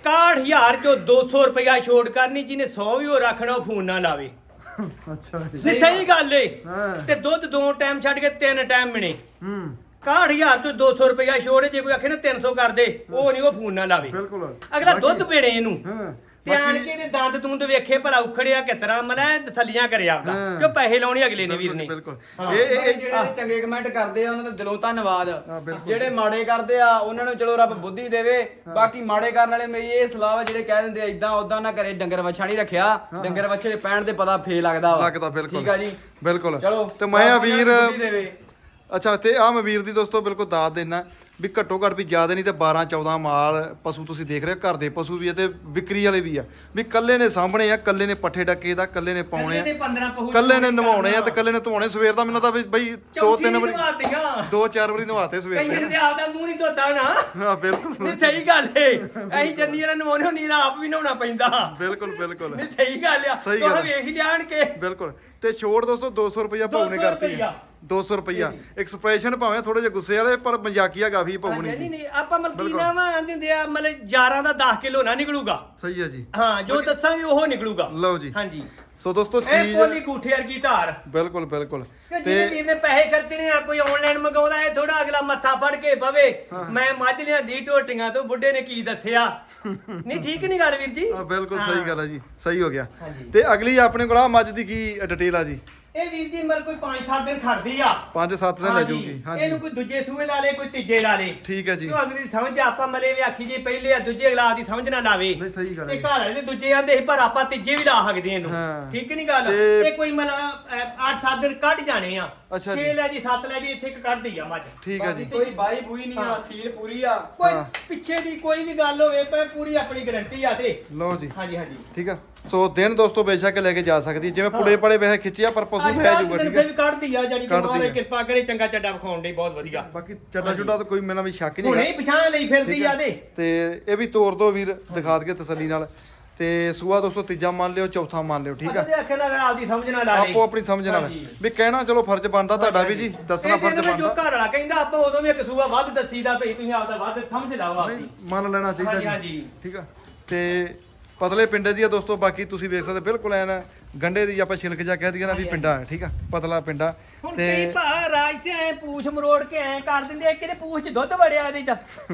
61000 ਚੋਂ 200 ਰੁਪਇਆ ਛੋੜ ਕਰਨੀ ਜਿਹਨੇ 100 ਵੀ ਉਹ ਰੱਖਣਾ ਉਹ ਫੋਨ ਨਾ ਲਾਵੇ ਅੱਛਾ ਜੀ ਨਹੀਂ ਸਹੀ ਗੱਲ ਏ ਹਾਂ ਤੇ ਦੁੱਧ 2 ਟਾਈਮ ਛੱਡ ਕੇ 3 ਟਾਈਮ ਮਿਣੇ ਹੂੰ 61000 ਤੋਂ 200 ਰੁਪਇਆ ਛੋੜ ਜੇ ਕੋਈ ਆਖੇ ਨਾ 300 ਕਰ ਦੇ ਉਹ ਨਹੀਂ ਉਹ ਫੋਨ ਨਾ ਲਾਵੇ ਬਿਲਕੁਲ ਅਗਲਾ ਦੁੱਧ ਪੀਣੇ ਇਹਨੂੰ ਹਾਂ ਤੇ ਆਣ ਕੇ ਇਹਦੇ ਦੰਦ ਦੁੰਦ ਵੇਖੇ ਭਲਾ ਉਖੜਿਆ ਕਿਤਰਾ ਮਲਾ ਤਸੱਲੀਆਂ ਕਰੇ ਆਪਦਾ ਹਾਂ। ਜੋ ਪੈਸੇ ਲਾਉਣੇ ਅਗਲੇ ਨੇ ਵੀਰ ਨੇ ਬਿਲਕੁਲ ਹਾਂ। ਇਹ ਜਿਹੜੇ ਚੰਗੇ ਕਮੈਂਟ ਕਰਦੇ ਆ ਉਹਨਾਂ ਦਾ ਦਿਲੋਂ ਧੰਨਵਾਦ ਬਿਲਕੁਲ। ਜਿਹੜੇ ਮਾੜੇ ਕਰਦੇ ਆ ਉਹਨਾਂ ਨੂੰ ਚਲੋ ਰੱਬ ਬੁੱਧੀ ਦੇਵੇ ਬਾਕੀ ਮਾੜੇ ਕਰਨ ਵਾਲੇ ਮੇਰੀ ਇਹ ਸਲਾਹ ਵਾ ਜਿਹੜੇ ਕਹਿ ਦਿੰਦੇ ਆ ਇਦਾਂ ਉਦਾਂ ਨਾ ਕਰੇ ਡੰਗਰ ਵੱਛਾ ਨਹੀਂ ਰੱਖਿਆ ਡੰਗਰ ਵੱਛੇ ਦੇ ਪੈਣ ਤੇ ਪਤਾ ਫੇ ਲੱਗਦਾ ਵਾ ਲੱਗਦਾ ਬਿਲਕੁਲ ਠੀਕ ਆ ਜੀ ਬਿਲਕੁਲ ਚਲੋ ਤੇ ਮੈਂ ਆ ਰੱਬ ਉਹਨਾਂ ਵੀਰ ਨੂੰ ਬੁੱਧੀ ਦੇਵੇ। ਅੱਛਾ ਤੇ ਆ ਮੈਂ ਵੀਰ ਦੀ ਦੋਸਤੋ ਬਿਲਕੁਲ ਦਾਤ ਦੇਣਾ ਵੀ ਘੱਟੋ ਘੱਟ ਵੀ ਜ਼ਿਆਦਾ ਨਹੀਂ ਤੇ 12 14 ਮਾਲ ਪਸ਼ੂ ਤੁਸੀਂ ਦੇਖ ਰਹੇ ਹੋ ਘਰ ਦੇ ਪਸ਼ੂ ਵੀ ਆ ਤੇ ਵਿਕਰੀ ਵਾਲੇ ਵੀ ਆ ਵੀ ਕੱਲੇ ਨੇ ਸਾਹਮਣੇ ਆ ਕੱਲੇ ਨੇ ਪੱਠੇ ਡੱਕੇ ਦਾ ਕੱਲੇ ਨੇ ਪਾਉਣੇ ਕੱਲੇ ਨੇ 15 ਆ ਪਹੁੰਚ ਕੱਲੇ ਨੇ ਨਵਾਉਣੇ ਆ ਤੇ ਕੱਲੇ ਨੇ ਧੋਣੇ ਸਵੇਰ ਦਾ ਮੈਨੂੰ ਤਾਂ ਵੀ ਬਈ 2-3 ਵਾਰੀ ਨਵਾਤੀਆਂ 2-4 ਵਾਰੀ ਨਵਾਤੇ ਸਵੇਰ ਕਈਆਂ ਦੇ ਨੇ ਆਪਦਾ ਮੂੰਹ ਨਹੀਂ ਧੋਤਾ ਨਾ ਹਾਂ ਬਿਲਕੁਲ ਨਹੀਂ ਸਹੀ ਗੱਲ ਏ ਅਸੀਂ ਜੰਨੀ ਵਾਲਾ ਨਵਾਉਣੇ ਹੁੰਦੀ ਆਪ ਵੀ ਨਹਾਉਣਾ ਪੈਂਦਾ ਬਿਲਕੁਲ ਬਿਲਕੁਲ ਨਹੀਂ ਸਹੀ ਗੱਲ ਆ ਸਹੀ ਗੱਲ ਤੁਹਾਂ ਆ। ਵੇਖ ਜਾਣ ਕੇ ਬਿਲਕੁਲ ਤੇ ਛੋੜ ਦੋਸਤੋ 200 ਰੁਪਇਆ ਭਾਊ ਨੇ 200 ਕਰਤੀ ਰੁਪਈਆ। 200 ਰੁਪਇਆ ਐਕਸਪ੍ਰੈਸ਼ਨ ਭਾਵੇਂ ਥੋੜੇ ਜਿਹਾ ਗੁੱਸੇ ਵਾਲੇ ਪਰ ਮਜ਼ਾਕੀਆ ਕਾਫੀ ਭਾਊ ਨਹੀਂ ਨੇ ਨਹੀਂ ਆਪਾਂ ਮਲਕੀ ਨਾ ਵਾ ਆਂਦੇ ਹੁੰਦੇ ਆ ਮਤਲਬ 11 ਦਾ 10 ਕਿਲੋ ਨਾ ਨਿਕਲੂਗਾ ਸਹੀ ਹੈ ਜੀ ਹਾਂ ਜੋ ਦੱਸਾਂਗੇ ਉਹ ਨਿਕਲੂਗਾ ਲਓ ਜੀ ਹਾਂਜੀ ਸੋ ਦੋਸਤੋ ਇਹ ਚੀਜ਼ ਕੋਲੀ ਗੂਠੇ ਵਰਗੀ ਧਾਰ ਬਿਲਕੁਲ ਬਿਲਕੁਲ ਕਿ ਜਿਹਨੇ ਵੀਰ ਨੇ ਪੈਸੇ ਖਰਚਣੇ ਆ ਕੋਈ ਆਨਲਾਈਨ ਮੰਗਾਉਂਦਾ ਇਹ ਥੋੜਾ ਅਗਲਾ ਮੱਥਾ ਫੜ ਕੇ ਬਵੇ ਮੈਂ ਮੱਝ ਲਿਆਂਦੀ ਢੋਟੀਆਂ ਤੋਂ ਬੁੱਢੇ ਨੇ ਕੀ ਦੱਸਿਆ ਨਹੀਂ ਠੀਕ ਨਹੀਂ ਗੱਲ ਵੀਰ ਜੀ ਹਾਂ ਬਿਲਕੁਲ ਸਹੀ ਗੱਲ ਹੈ ਜੀ ਸਹੀ ਹੋ ਗਿਆ ਹਾਂਜੀ। ਤੇ ਅਗਲੀ ਆਪਣੇ ਕੋਲ ਆ ਮੱਝ ਦੀ ਕੀ ਡਿਟੇਲ ਆ ਜੀ ਇਹ ਵੀਰ ਜੀ ਮਲ ਕੋਈ 5-7 ਦਿਨ ਖੜਦੀ ਆ 5-7 ਦਿਨ ਲੈ ਜਾਊਗੀ ਹਾਂਜੀ ਇਹਨੂੰ ਕੋਈ ਦੂਜੇ ਸੂਏ ਲਾ ਲੇ ਕੋਈ ਤੀਜੇ ਲਾ ਲੇ ਠੀਕ ਹੈ ਜੀ ਕਿਉਂ ਅਗਲੀ ਦੀ ਸਮਝ ਆਪਾਂ ਮਲੇ ਵੀ ਆਖੀ ਜੀ ਪਹਿਲੇ ਆ ਦੂਜੇ ਅਗਲਾ ਦੀ ਸਮਝ ਨਾ ਲਾਵੇ ਨਹੀਂ ਸਹੀ ਗੱਲ ਹੈ ਤੇ ਜੀ। ਘਰ ਵਾਲੇ ਦੇ ਦੂਜੇ ਆਂਦੇ ਸੀ ਪਰ ਆਪਾਂ ਤੀਜੇ ਵੀ ਲਾ ਸਕਦੇ ਇਹਨੂੰ ਹਾਂ। ਠੀਕ ਨਹੀਂ ਗੱਲ ਤੇ- ਇਹ ਕੋਈ ਮਤਲਬ 8-7 ਦਿਨ ਕੱਢ ਜਾਣੇ ਆ ਅੱਛਾ ਜੀ। 6 ਲੈ ਜੀ 7 ਲੈ ਜੀ ਇੱਥੇ ਇੱਕ ਕੱਢਦੀ ਆ ਮੱਝ ਠੀਕ ਹੈ ਜੀ ਬਾਕੀ ਕੋਈ ਬਾਈ ਬੂਈ ਨਹੀਂ ਆ ਸੀਲ ਪੂਰੀ ਆ ਕੋਈ ਹਾਂ। ਪਿੱਛੇ ਦੀ ਕੋਈ ਵੀ ਗੱਲ ਹੋਵੇ ਪਰ ਪੂਰੀ ਆਪਣੀ ਗਾਰੰਟੀ ਆ ਤੇ ਲਓ ਜੀ ਹਾਂਜੀ ਹਾਂਜੀ ਠੀਕ ਆ ਸੋ ਦਿਨ ਦੋਸਤੋ ਬੇਸ਼ੱਕ ਲੈ ਕੇ ਜਾ ਸਕਦੀ ਜਿਵੇਂ ਪੁੜੇ ਪੜੇ ਵੈਸੇ ਖਿੱਚਿਆ ਪਰ ਪਸ਼ੂ ਲੈ ਜਾਊਗਾ ਠੀਕ ਫਿਰ ਹੈ ਵੀ ਕੱਢਦੀ ਆ ਜਾਨੀ ਕਿ ਕੱਢਦੀ ਮਾਰੇ ਆ। ਕਿਰਪਾ ਕਰੇ ਚੰਗਾ ਚੱਡਾ ਵਿਖਾਉਣ ਦੀ ਬਹੁਤ ਵਧੀਆ ਬਾਕੀ ਚੱਡਾ ਚੁੱਡਾ ਤਾਂ ਕੋਈ ਮੇਰਾ ਵੀ ਸ਼ੱਕ ਨਹੀਂ ਹੁਣੇ ਹੈਗਾ ਹੀ ਪਛਾਣ ਲਈ ਫਿਰਦੀ ਠੀਕ ਆ ਹੈ। ਦੇ ਤੇ ਇਹ ਵੀ ਤੋਰ ਦੋ ਵੀਰ ਦਿਖਾ ਦਈਏ ਤਸੱਲੀ ਨਾਲ ਤੇ ਸੂਆ ਦੋਸਤੋ ਤੀਜਾ ਮੰਨ ਲਿਓ ਚੌਥਾ ਮੰਨ ਲਿਓ ਠੀਕ ਆ ਉਹਦੇ ਅੱਖੇ ਨਾਲ ਆਪਦੀ ਸਮਝ ਨਾਲ ਲਾ ਲਈ ਆਪੋ ਆਪਣੀ ਸਮਝ ਨਾਲ ਹਾਂਜੀ। ਵੀ ਕਹਿਣਾ ਚਲੋ ਫਰਜ਼ ਬਣਦਾ ਤੁਹਾਡਾ ਵੀ ਜੀ ਦੱਸਣਾ ਇਹ ਫਰਜ਼ ਕਹਿੰਦੇ ਜੋ ਬਣਦਾ ਘਰ ਵਾਲਾ ਕਹਿੰਦਾ ਆਪਾਂ ਉਦੋਂ ਵੀ ਇੱਕ ਸੂਆ ਵੱਧ ਦੱਸੀਦਾ ਭਈ ਤੁਸੀਂ ਆਪਦਾ ਵੱਧ ਸਮਝ ਲਾਓ ਆਪਦੀ ਮੰਨ ਲੈਣਾ ਚਾਹੀਦਾ ਹਾਂਜੀ, ਜੀ ਹਾਂਜੀ। ਠੀਕ ਆ ਤੇ ਪਤਲੇ ਪਿੰਡੇ ਦੀ ਆ ਦੋਸਤੋ ਬਾਕੀ ਤੁਸੀਂ ਵੇਖ ਸਕਦੇ ਬਿਲਕੁਲ ਐਨ ਗੰਡੇ ਦੀ ਆਪਾਂ ਛਿਲਕ ਜਾ ਕਹਿ ਦਈਏ ਨਾ ਵੀ ਪਿੰਡਾ ਹੈ ਠੀਕ ਆ ਪਤਲਾ ਪਿੰਡਾ ਹੁਣ ਤੇ ਕਈ ਭਾ ਰਾਜ ਸੇ ਐ ਪੂਛ ਮਰੋੜ ਕੇ ਐ ਕਰ ਦਿੰਦੇ ਕਿਤੇ ਪੂਛ ਚ ਦੁੱਧ ਵੜਿਆ ਇਹਦੇ ਚ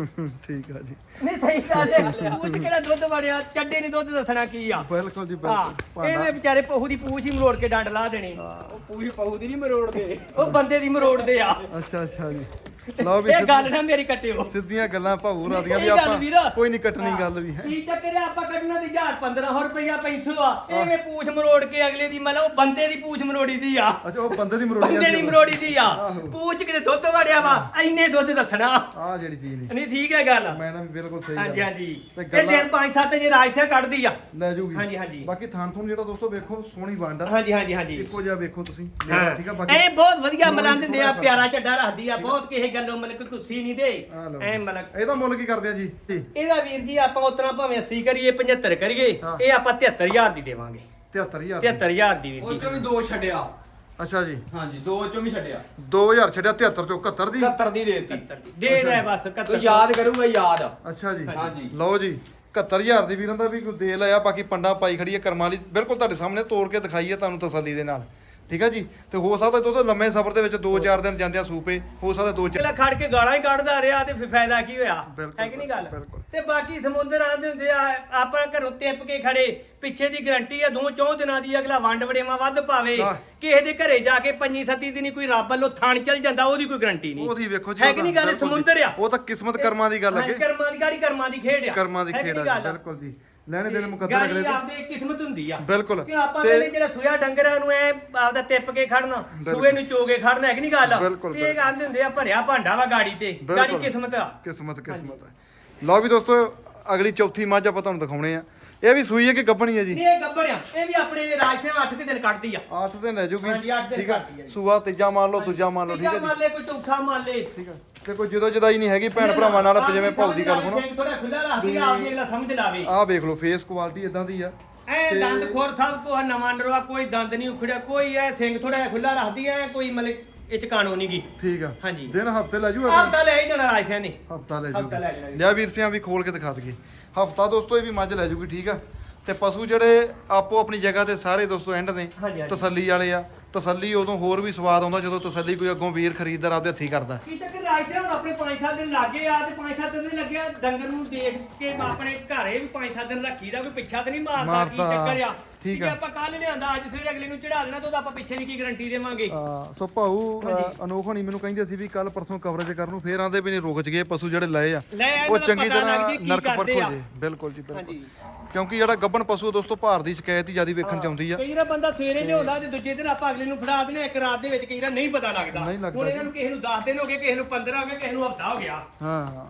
ਠੀਕ ਆ ਜੀ ਨਹੀਂ ਸਹੀ ਗੱਲ ਹੈ ਪੂਛ ਕਿਹੜਾ ਦੁੱਧ ਵੜਿਆ ਚੱਡੇ ਨੇ ਦੁੱਧ ਦੱਸਣਾ ਕੀ ਆ ਬਿਲਕੁਲ ਜੀ ਹਾਂ ਬਿਲਕੁਲ ਇਹਨੇ ਵਿਚਾਰੇ ਪਹੂ ਦੀ ਪੂਛ ਹੀ ਮਰੋੜ ਕੇ ਡੰਡ ਲਾ ਦੇਣੀ ਉਹ ਪੂਰੀ ਪਹੂ ਦੀ ਨਹੀਂ ਮਰੋੜਦੇ ਉਹ ਬੰਦੇ ਦੀ ਮਰੋੜਦੇ ਆ ਅੱਛਾ ਅੱਛਾ ਜੀ ਲਓ ਵੀ ਇਹ ਗੱਲ ਨਾ ਮੇਰੀ ਕੱਟਿਓ ਸਿੱਧੀਆਂ ਗੱਲਾਂ ਭਾਊ ਰਾਦੀਆਂ ਵੀ ਸਹੀ ਗੱਲ ਆਪਾਂ ਵੀਰ। ਕੋਈ ਨਹੀਂ ਕੱਟਣੀ ਗੱਲ ਵੀ ਹੈ ਕੀ ਚੱਕਰ ਆ ਆਪਾਂ ਕੱਢਣਾ ਦੀ 1500 ਰੁਪਇਆ 500 ਆ ਐਵੇਂ ਪੂਛ ਮਰੋੜ ਕੇ ਅਗਲੇ ਦੀ ਮਤਲਬ ਉਹ ਬੰਦੇ ਦੀ ਪੂਛ ਮਰੋੜੀ ਦੀ ਆ ਅੱਛਾ ਉਹ ਬੰਦੇ ਦੀ ਮਰੋੜੀ ਬੰਦੇ ਦੀ ਮਰੋੜੀ ਦੀ ਆ ਪੂਛ ਕਿਤੇ ਦੁੱਧ ਵੜਿਆ ਵਾ ਐਨੇ ਦੁੱਧ ਦੱਸਣਾ ਆ ਜਿਹੜੀ ਚੀਜ਼ ਨਹੀਂ ਨਹੀਂ ਠੀਕ ਹੈ ਗੱਲ ਮੈਂ ਨਾ ਵੀ ਬਿਲਕੁਲ ਸਹੀ ਹਾਂਜੀ ਗੱਲ ਹਾਂਜੀ ਤੇ ਇਹ ਗੱਲਾਂ- ਦਿਨ 5-7 ਜੇ ਰਾਜਸਿਆ ਕੱਢਦੀ ਆ ਲੈ ਜੂਗੀ ਹਾਂਜੀ, ਹਾਂਜੀ। ਬਾਕੀ ਥਾਨ ਥੂਨ ਜਿਹੜਾ ਦੋਸਤੋ ਵੇਖੋ ਸੋਹਣੀ ਵੰਡ ਆ ਹਾਂਜੀ ਹਾਂਜੀ ਹਾਂਜੀ ਇੱਕੋ ਜਿਹਾ ਵੇਖੋ ਤੁਸੀਂ ਹਾਂ। ਠੀਕ ਆ ਬਾਕੀ ਇਹ ਬਹੁਤ ਵਧੀਆ ਥੋੜ੍ਹਾ ਮਲਾਂ ਦਿੰਦੇ ਆ ਫਰਕ। ਪਿਆਰਾ ਝੱਡਾ ਰੱਖਦੀ ਆ ਬਹੁਤ ਕਿਸੇ ਗੱਲੋਂ ਮਤਲਬ ਕੋਈ ਕੁੱਸੀ ਨਹੀਂ ਦੇ ਆ ਲਓ। ਐ ਮਤਲਬ ਇਹਦਾ ਮੁੱਲ ਕੀ ਕਰਦੇ ਆ ਜੀ ਇਹਦਾ ਵੀਰ ਜੀ ਆਪਾਂ ਉਤਨਾ ਭਾਵੇਂ 80 ਕਰੀਏ 75 ਕਰੀਏ ਹਾਂ। ਇਹ ਆਪਾਂ 73000 ਦੀ ਦੇਵਾਂਗੇ 73000 73000 ਦੀ ਵੀਰ ਉਹ ਜੀ ਚੋਂ ਵੀ ਦੋ ਛੱਡਿਆ ਅੱਛਾ ਜੀ ਹਾਂਜੀ ਦੋ ਚੋਂ ਵੀ ਛੱਡਿਆ 2000 ਛੱਡਿਆ 73 ਚੋਂ 71 ਦੀ 71 ਦੀ ਦੇਤੀ 71 ਦੀ ਦੇ ਲੈ ਬਸ 71 ਤੂੰ ਯਾਦ ਕਰੂਗਾ ਯਾਦ ਅੱਛਾ ਜੀ ਹਾਂਜੀ। ਲਓ ਜੀ 71000 ਦੀ ਵੀਰਾਂ ਦਾ ਵੀ ਕੋਈ ਦੇ ਲਿਆ ਬਾਕੀ ਪੰਡਾ ਪਾਈ ਖੜੀ ਹੈ ਕਰਮਾਂ ਵਾਲੀ ਬਿਲਕੁਲ ਤੁਹਾਡੇ ਸਾਹਮਣੇ ਤੋੜ ਕੇ ਦਿਖਾਈਏ ਤੁਹਾਨੂੰ ਤਸੱਲੀ ਦੇ ਨਾਲ ਠੀਕ ਹੈ ਜੀ ਤੇ ਹੋ ਸਕਦਾ ਦੋਸਤੋ ਲੰਮੇ ਸਫ਼ਰ ਦੇ ਵਿੱਚ 2-4 ਦਿਨ ਜਾਂਦੇ ਆ ਸੂਪੇ ਹੋ ਸਕਦਾ 2-4 ਅਗਲਾ ਖੜ ਕੇ ਗਾਲਾਂ ਹੀ ਕੱਢਦਾ ਰਿਹਾ ਤੇ ਫਿਰ ਫਾਇਦਾ ਕੀ ਹੋਇਆ ਬਿਲਕੁਲ, ਹੈ ਕਿ ਨਹੀਂ ਗੱਲ ਬਿਲਕੁਲ। ਤੇ ਬਾਕੀ ਸਮੁੰਦਰ ਆਂਦੇ ਹੁੰਦੇ ਆ ਆਪਾਂ ਘਰੋਂ ਟਿੱਪ ਕੇ ਖੜੇ ਪਿੱਛੇ ਦੀ ਗਰੰਟੀ ਆ 2-4 ਦਿਨਾਂ ਦੀ ਅਗਲਾ ਵੰਡ ਵੜੇਵਾ ਵੱਧ ਪਾਵੇ ਆਹ। ਕਿਸੇ ਦੇ ਘਰੇ ਜਾ ਕੇ 5-7 ਦਿਨੀ ਕੋਈ ਰੱਬ ਵੱਲੋਂ ਥਾਣ ਚਲ ਜਾਂਦਾ ਉਹਦੀ ਕੋਈ ਗਰੰਟੀ ਨਹੀਂ ਉਹਦੀ ਵੇਖੋ ਜੀ ਹੈ ਉਹ ਕਿ ਤਾਂ ਨਹੀਂ ਗੱਲ ਬਿਲਕੁਲ ਜੀ। ਸਮੁੰਦਰ ਆ ਉਹ ਤਾਂ ਕਿਸਮਤ ਕਰਮਾਂ ਦੀ ਗੱਲ ਹਾਂਜੀ, ਅੱਗੇ ਕਰਮਾਂ ਦੀ ਗਾੜੀ ਕਰਮਾਂ ਦੀ ਖੇਡ ਆ ਕਰਮਾਂ ਦੀ ਹੈ ਕਿ ਖੇਡ ਨਹੀਂ ਆ ਗੱਲ? ਬਿਲਕੁਲ ਜੀ ਲੈਣੇ ਦੇਣੇ ਮੁਕੱਦਰ ਗਾੜੀ ਅਗਲੇ ਦੇ ਆਪਦੀ ਕਿਸਮਤ ਹੁੰਦੀ ਆ ਬਿਲਕੁਲ ਕਿ ਆਪਾਂ ਤੇ ਕਹਿੰਦੇ ਜਿਹੜਾ ਸੂਆ ਡੰਗਰਾਂ ਨੂੰ ਐ ਆਪਦਾ ਟਿੱਪ ਕੇ ਖੜਨਾ ਸੂਏ ਨੂੰ ਚੋਗੇ ਖੜਨਾ ਹੈ ਕਿ ਨਹੀਂ ਗੱਲ ਬਿਲਕੁਲ, ਇਹ ਕਹਿੰਦੇ ਹੁੰਦੇ ਆ ਭਰਿਆ ਭਾਂਡਾ ਵਾ ਗਾੜੀ ਤੇ ਗਾੜੀ ਬਿਲਕੁਲ। ਕਿਸਮਤ ਆ ਕਿਸਮਤ ਹੈ ਲਓ ਵੀ ਦੋਸਤੋ ਅਗਲੀ ਚੌਥੀ ਮੱਝ ਆਪਾਂ ਤੁਹਾਨੂੰ ਦਿਖਾਉਣੇ ਆ ਇਹ ਵੀ ਸੂਈ ਹੈ ਕਿ ਗੱਭਣੀ ਹੈ ਜੀ ਨਹੀਂ ਇਹ ਗੱਬੜਿਆ ਇਹ ਵੀ ਆਪਣੇ ਰਾਜ ਸੇ 8 ਦਿਨ ਕੱਢਦੀ ਆ 8 ਦਿਨ ਲੈ ਜੂਗੀ ਹਾਂਜੀ, ਅੱਠ ਦਿਨ ਠੀਕ ਆ ਕੱਢਦੀ ਹੈ ਜੀ। ਸੂਆ ਤੀਜਾ ਮੰਨ ਲਓ ਦੂਜਾ ਮੰਨ ਲਓ ਠੀਕ ਤੀਜਾ ਹੈ ਜੀ ਮੰਨ ਲੈ ਕੋਈ ਚੌਥਾ ਮੰਨ ਲੈ ਠੀਕ ਆ ਤੇ ਕੋਈ ਜਦੋਂ ਜਦਾਈ ਨਹੀਂ ਹੈਗੀ ਭੈਣ ਭਰਾਵਾਂ ਨਾਲ ਜਿਵੇਂ ਭਾਉ ਦੀ ਗੱਲ ਸੁਣੋ ਥੋੜਾ ਖੁੱਲਾ ਰੱਖਦੀ ਆ ਆਪਦੀ ਅਗਲਾ ਸਮਝ ਲਾਵੇ ਆਹ ਵੇਖ ਲਓ ਫੇਸ ਕੁਆਲਿਟੀ ਇਦਾਂ ਦੀ ਆ ਐ ਦੰਦ ਖੋਰ ਸਭ ਕੋ ਨਵਾਂ ਨਰਵਾ ਕੋਈ ਦੰਦ ਨਹੀਂ ਉਖੜਿਆ ਕੋਈ ਐ ਸਿੰਘ ਥੋੜਾ ਖੁੱਲਾ ਰੱਖਦੀ ਐ ਕੋਈ ਮਤਲਬ ਇਹ ਚ ਕਾਣੋ ਨਹੀਂ ਗੀ ਠੀਕ ਆ ਹਾਂਜੀ। ਦਿਨ ਹਫਤੇ ਲੈ ਜੂ ਆਪ ਤਾਂ ਲੈ ਹੀ ਜਾਣਾ ਰਾਜ ਸੇ ਨੇ ਹਫਤਾ ਲੈ ਹਫ਼ਤਾ ਲੈ ਜਾਣਾ ਜੂਗੀ ਜੀ। ਲਿਆ ਵੀਰ ਸਿਆਂ ਵੀ ਖੋਲ ਕੇ ਦਿਖਾ ਦਈਏ ਹਫਤਾ ਦੋਸਤੋ ਇਹ ਵੀ ਮੱਝ ਲੈ ਜੂਗੀ ਠੀਕ ਆ ਤੇ ਪਸ਼ੂ ਜਿਹੜੇ ਆਪੋ ਆਪਣੀ ਜਗ੍ਹਾ ਤੇ ਸਾਰੇ ਦੋਸਤੋ ਐਂਡ ਨੇ ਹਾਂਜੀ, ਹਾਂਜੀ। ਤਸੱਲੀ ਵਾਲੇ ਆ ਤਸੱਲੀ ਉਦੋਂ ਹੋਰ ਵੀ ਸਵਾਦ ਆਉਂਦਾ ਜਦੋਂ ਤਸੱਲੀ ਕੋਈ ਅੱਗੋਂ ਵੀਰ ਖਰੀਦਦਾਰ ਆਪਦੇ ਹੱਥੀਂ ਕਰਦਾ ਕੀ ਚੱਕਰ ਰਾਜ ਸੇ ਹੁਣ ਆਪਣੇ 5-7 ਦਿਨ ਲੱਗੇ ਆ ਤੇ 5-7 ਦਿਨ ਲੱਗਿਆ ਡੰਗਰ ਨੂੰ ਦੇਖ ਕੇ ਆਪਣੇ ਘਰੇ ਵੀ 5-7 ਦਿਨ ਰੱਖੀਦਾ ਕੋਈ ਪਿੱਛਾ ਤੇ ਨਹੀਂ ਮਾਰਦਾ ਕੀ ਮਾਰਦਾ। ਚੱਕਰ ਆ ਠੀਕ ਜੇ ਆ। ਆਪਾਂ ਕੱਲ ਲਿਆਂਦਾ ਅੱਜ ਸਵੇਰੇ ਅਗਲੇ ਨੂੰ ਚੜਾ ਦੇਣਾ ਤਾਂ ਉਹਦਾ ਆਪਾਂ ਪਿੱਛੇ ਦੀ ਕੀ ਗਾਰੰਟੀ ਦੇਵਾਂਗੇ ਸੋ ਭਾਊ ਹਾਂਜੀ। ਅਨੋਖ ਹੋਣੀ ਮੈਨੂੰ ਕਹਿੰਦੇ ਸੀ ਵੀ ਕੱਲ ਪਰਸੋਂ ਕਵਰੇਜ ਕਰਨ ਨੂੰ ਫੇਰ ਆਂਦੇ ਵੀ ਨਹੀਂ ਰੁਕ ਜਗੇ ਪਸ਼ੂ ਜਿਹੜੇ ਲਏ ਆ ਲੈ ਆ, ਉਹ ਇਹਨਾਂ ਦਾ ਚੰਗੀ ਪਤਾ ਤਰ੍ਹਾਂ ਲੱਗ ਜੇ ਕੀ ਨਰਕ ਪਰਖ ਕਰਦੇ ਹੋ ਆ। ਜੇ ਬਿਲਕੁਲ ਜੀ ਬਿਲਕੁਲ ਹਾਂਜੀ। ਕਿਉਂਕਿ ਜਿਹੜਾ ਗੱਬਣ ਪਸ਼ੂ ਦੋਸਤੋ ਭਾਰ ਦੀ ਸ਼ਿਕਾਇਤ ਹੀ ਜਿਆਦਾ ਵੇਖਣ ਚ ਆਉਂਦੀ ਆ ਕਈ ਵਾਰ ਬੰਦਾ ਸਵੇਰੇ ਲਿਆਉਂਦਾ ਤੇ ਦੂਜੇ ਦਿਨ ਆਪਾਂ ਅਗਲੇ ਨੂੰ ਫੜਾ ਦਿੰਦੇ ਆ, ਇੱਕ ਰਾਤ ਦੇ ਵਿੱਚ ਕਈ ਵਾਰ ਨਹੀਂ ਪਤਾ ਲੱਗਦਾ ਨਹੀਂ ਲੱਗਦਾ ਹੁਣ ਇਹਨਾਂ ਨੂੰ ਕਿਸੇ ਨੂੰ 10 ਦਿਨ ਹੋ ਗਏ ਕਿਸੇ ਨੂੰ 15 ਹੋ ਗਏ ਕਿਸੇ ਨੂੰ ਹਫਤਾ ਹੋ ਗਿਆ ਹਾਂ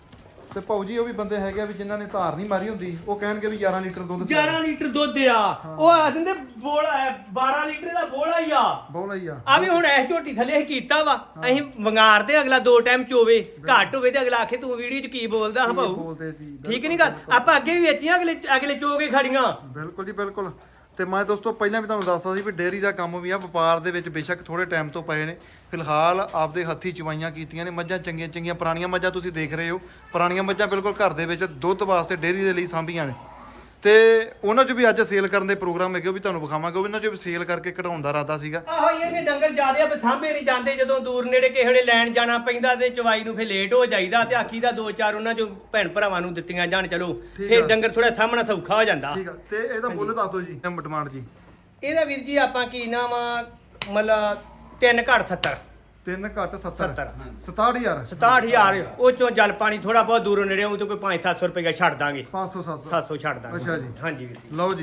ਤੇ ਭਾਊ ਜੀ ਉਹ ਵੀ ਬੰਦੇ ਹੈਗੇ ਆ ਵੀ ਜਿਨ੍ਹਾਂ ਨੇ ਧਾਰ ਨਹੀਂ ਮਾਰੀ ਹੁੰਦੀ ਉਹ ਕਹਿਣਗੇ ਵੀ 11 ਲੀਟਰ ਦੁੱਧ 11 ਲੀਟਰ ਦੁੱਧ ਆ ਉਹ ਆ ਦਿੰਦੇ ਬੋਲਾ 12 ਲੀਟਰ ਦਾ ਬੋਲਾ ਹੀ ਆ ਬੋਲਾ ਹੀ ਆ ਆ ਵੀ ਹੁਣ ਐ ਝੋਟੀ ਥੱਲੇ ਅਸੀਂ ਕੀਤਾ ਵਾ ਅਸੀਂ ਵੰਗਾਰਦੇ ਅਗਲਾ 2 ਟਾਈਮ ਚੋਵੇ ਘੱਟ ਹੋਵੇ ਤੇ ਅਗਲਾ ਆਖੇ ਤੂੰ ਵੀਡੀਓ 'ਚ ਕੀ ਬੋਲਦਾ ਹਾਂ ਭਾਊ ਬੋਲਦੇ ਜੀ ਠੀਕ ਨਹੀਂ ਗੱਲ ਆਪਾਂ ਅੱਗੇ ਵੀ ਵੇਚੀਆਂ ਅਗਲੇ ਚੋਗੇ ਖੜੀਆਂ ਬਿਲਕੁਲ ਜੀ ਬਿਲਕੁਲ ਤੇ ਮੈਂ ਦੋਸਤੋ ਪਹਿਲਾਂ ਵੀ ਤੁਹਾਨੂੰ ਦੱਸਦਾ ਸੀ ਵੀ ਡੇਅਰੀ ਦਾ ਕੰਮ ਵੀ ਆ ਵਪਾਰ ਦੇ ਵਿੱਚ ਬੇਸ਼ੱਕ ਥੋੜੇ ਟਾਈਮ ਤੋਂ ਪਏ ਨੇ ਫਿਲਹਾਲ ਆਪਦੇ ਹੱਥੀ ਚਵਾਈਆਂ ਕੀਤੀਆਂ ਨੇ ਮੱਝਾਂ ਚੰਗੀਆਂ ਚੰਗੀਆਂ ਪੁਰਾਣੀਆਂ ਮੱਝਾਂ ਤੁਸੀਂ ਦੇਖ ਰਹੇ ਹੋ ਪੁਰਾਣੀਆਂ ਮੱਝਾਂ ਬਿਲਕੁਲ ਘਰ ਦੇ ਵਿੱਚ ਦੁੱਧ ਵਾਸਤੇ ਡੇਅਰੀ ਦੇ ਲਈ ਸਾਂਭੀਆਂ ਨੇ ਤੇ ਉਹਨਾਂ 'ਚ ਵੀ ਅੱਜ ਸੇਲ ਕਰਨ ਦੇ ਪ੍ਰੋਗਰਾਮ ਹੈਗੇ ਉਹ ਵੀ ਤੁਹਾਨੂੰ ਵਿਖਾਵਾਂਗੇ ਉਹਨਾਂ 'ਚ ਵੀ ਸੇਲ ਕਰਕੇ ਕਢਾਉਣ ਦਾ ਇਰਾਦਾ ਸੀਗਾ ਆਹੋ ਇਹ ਨੇ ਡੰਗਰ ਜ਼ਿਆਦੇ ਆ ਸਾਂਭੇ ਨਹੀਂ ਜਾਂਦੇ ਜਦੋਂ ਦੂਰ ਨੇੜੇ ਕਿਸੇ ਵੇਲੇ ਲੈਣ ਜਾਣਾ ਪੈਂਦਾ ਤੇ ਚਵਾਈ ਨੂੰ ਫੇ ਲੇਟ ਹੋ ਜਾਈਦਾ ਤੇ ਆਖੀ ਦਾ 2-4 ਉਹਨਾਂ ਚੋਂ ਭੈਣ ਭਰਾਵਾਂ ਨੂੰ ਦਿੱਤੀਆਂ ਜਾਣ ਚਲੋ ਠੀਕ ਫੇ ਆ। ਡੰਗਰ ਥੋੜਾ ਸਾਹਮਣਾ ਸੌਖਾ ਹੋ ਜਾਂਦਾ ਠੀਕ ਆ ਤੇ ਇਹਦਾ ਮੁੱਲ ਦੱਸ ਦਿਓ ਜੀ ਡਿਮਾਂਡ ਜੀ ਇਹਦਾ ਵੀਰ ਜੀ ਆਪਾਂ ਕੀ ਨਾਮ ਆ ਮਤਲਬ 3 ਘੱਟ 70 3 ਘੱਟ 70 70 67000 67000 ਉਹ ਚੋਂ ਜਲ ਪਾਣੀ ਥੋੜਾ ਬਹੁਤ ਦੂਰੋਂ ਨੇੜੇ ਉਹ ਤੇ ਕੋਈ 5-700 ਰੁਪਏ ਛੱਡ ਦਾਂਗੇ 500 700 700 ਛੱਡ ਦਾਂਗੇ ਅੱਛਾ ਜੀ। ਹਾਂਜੀ ਵੀਰ ਜੀ ਲਓ ਜੀ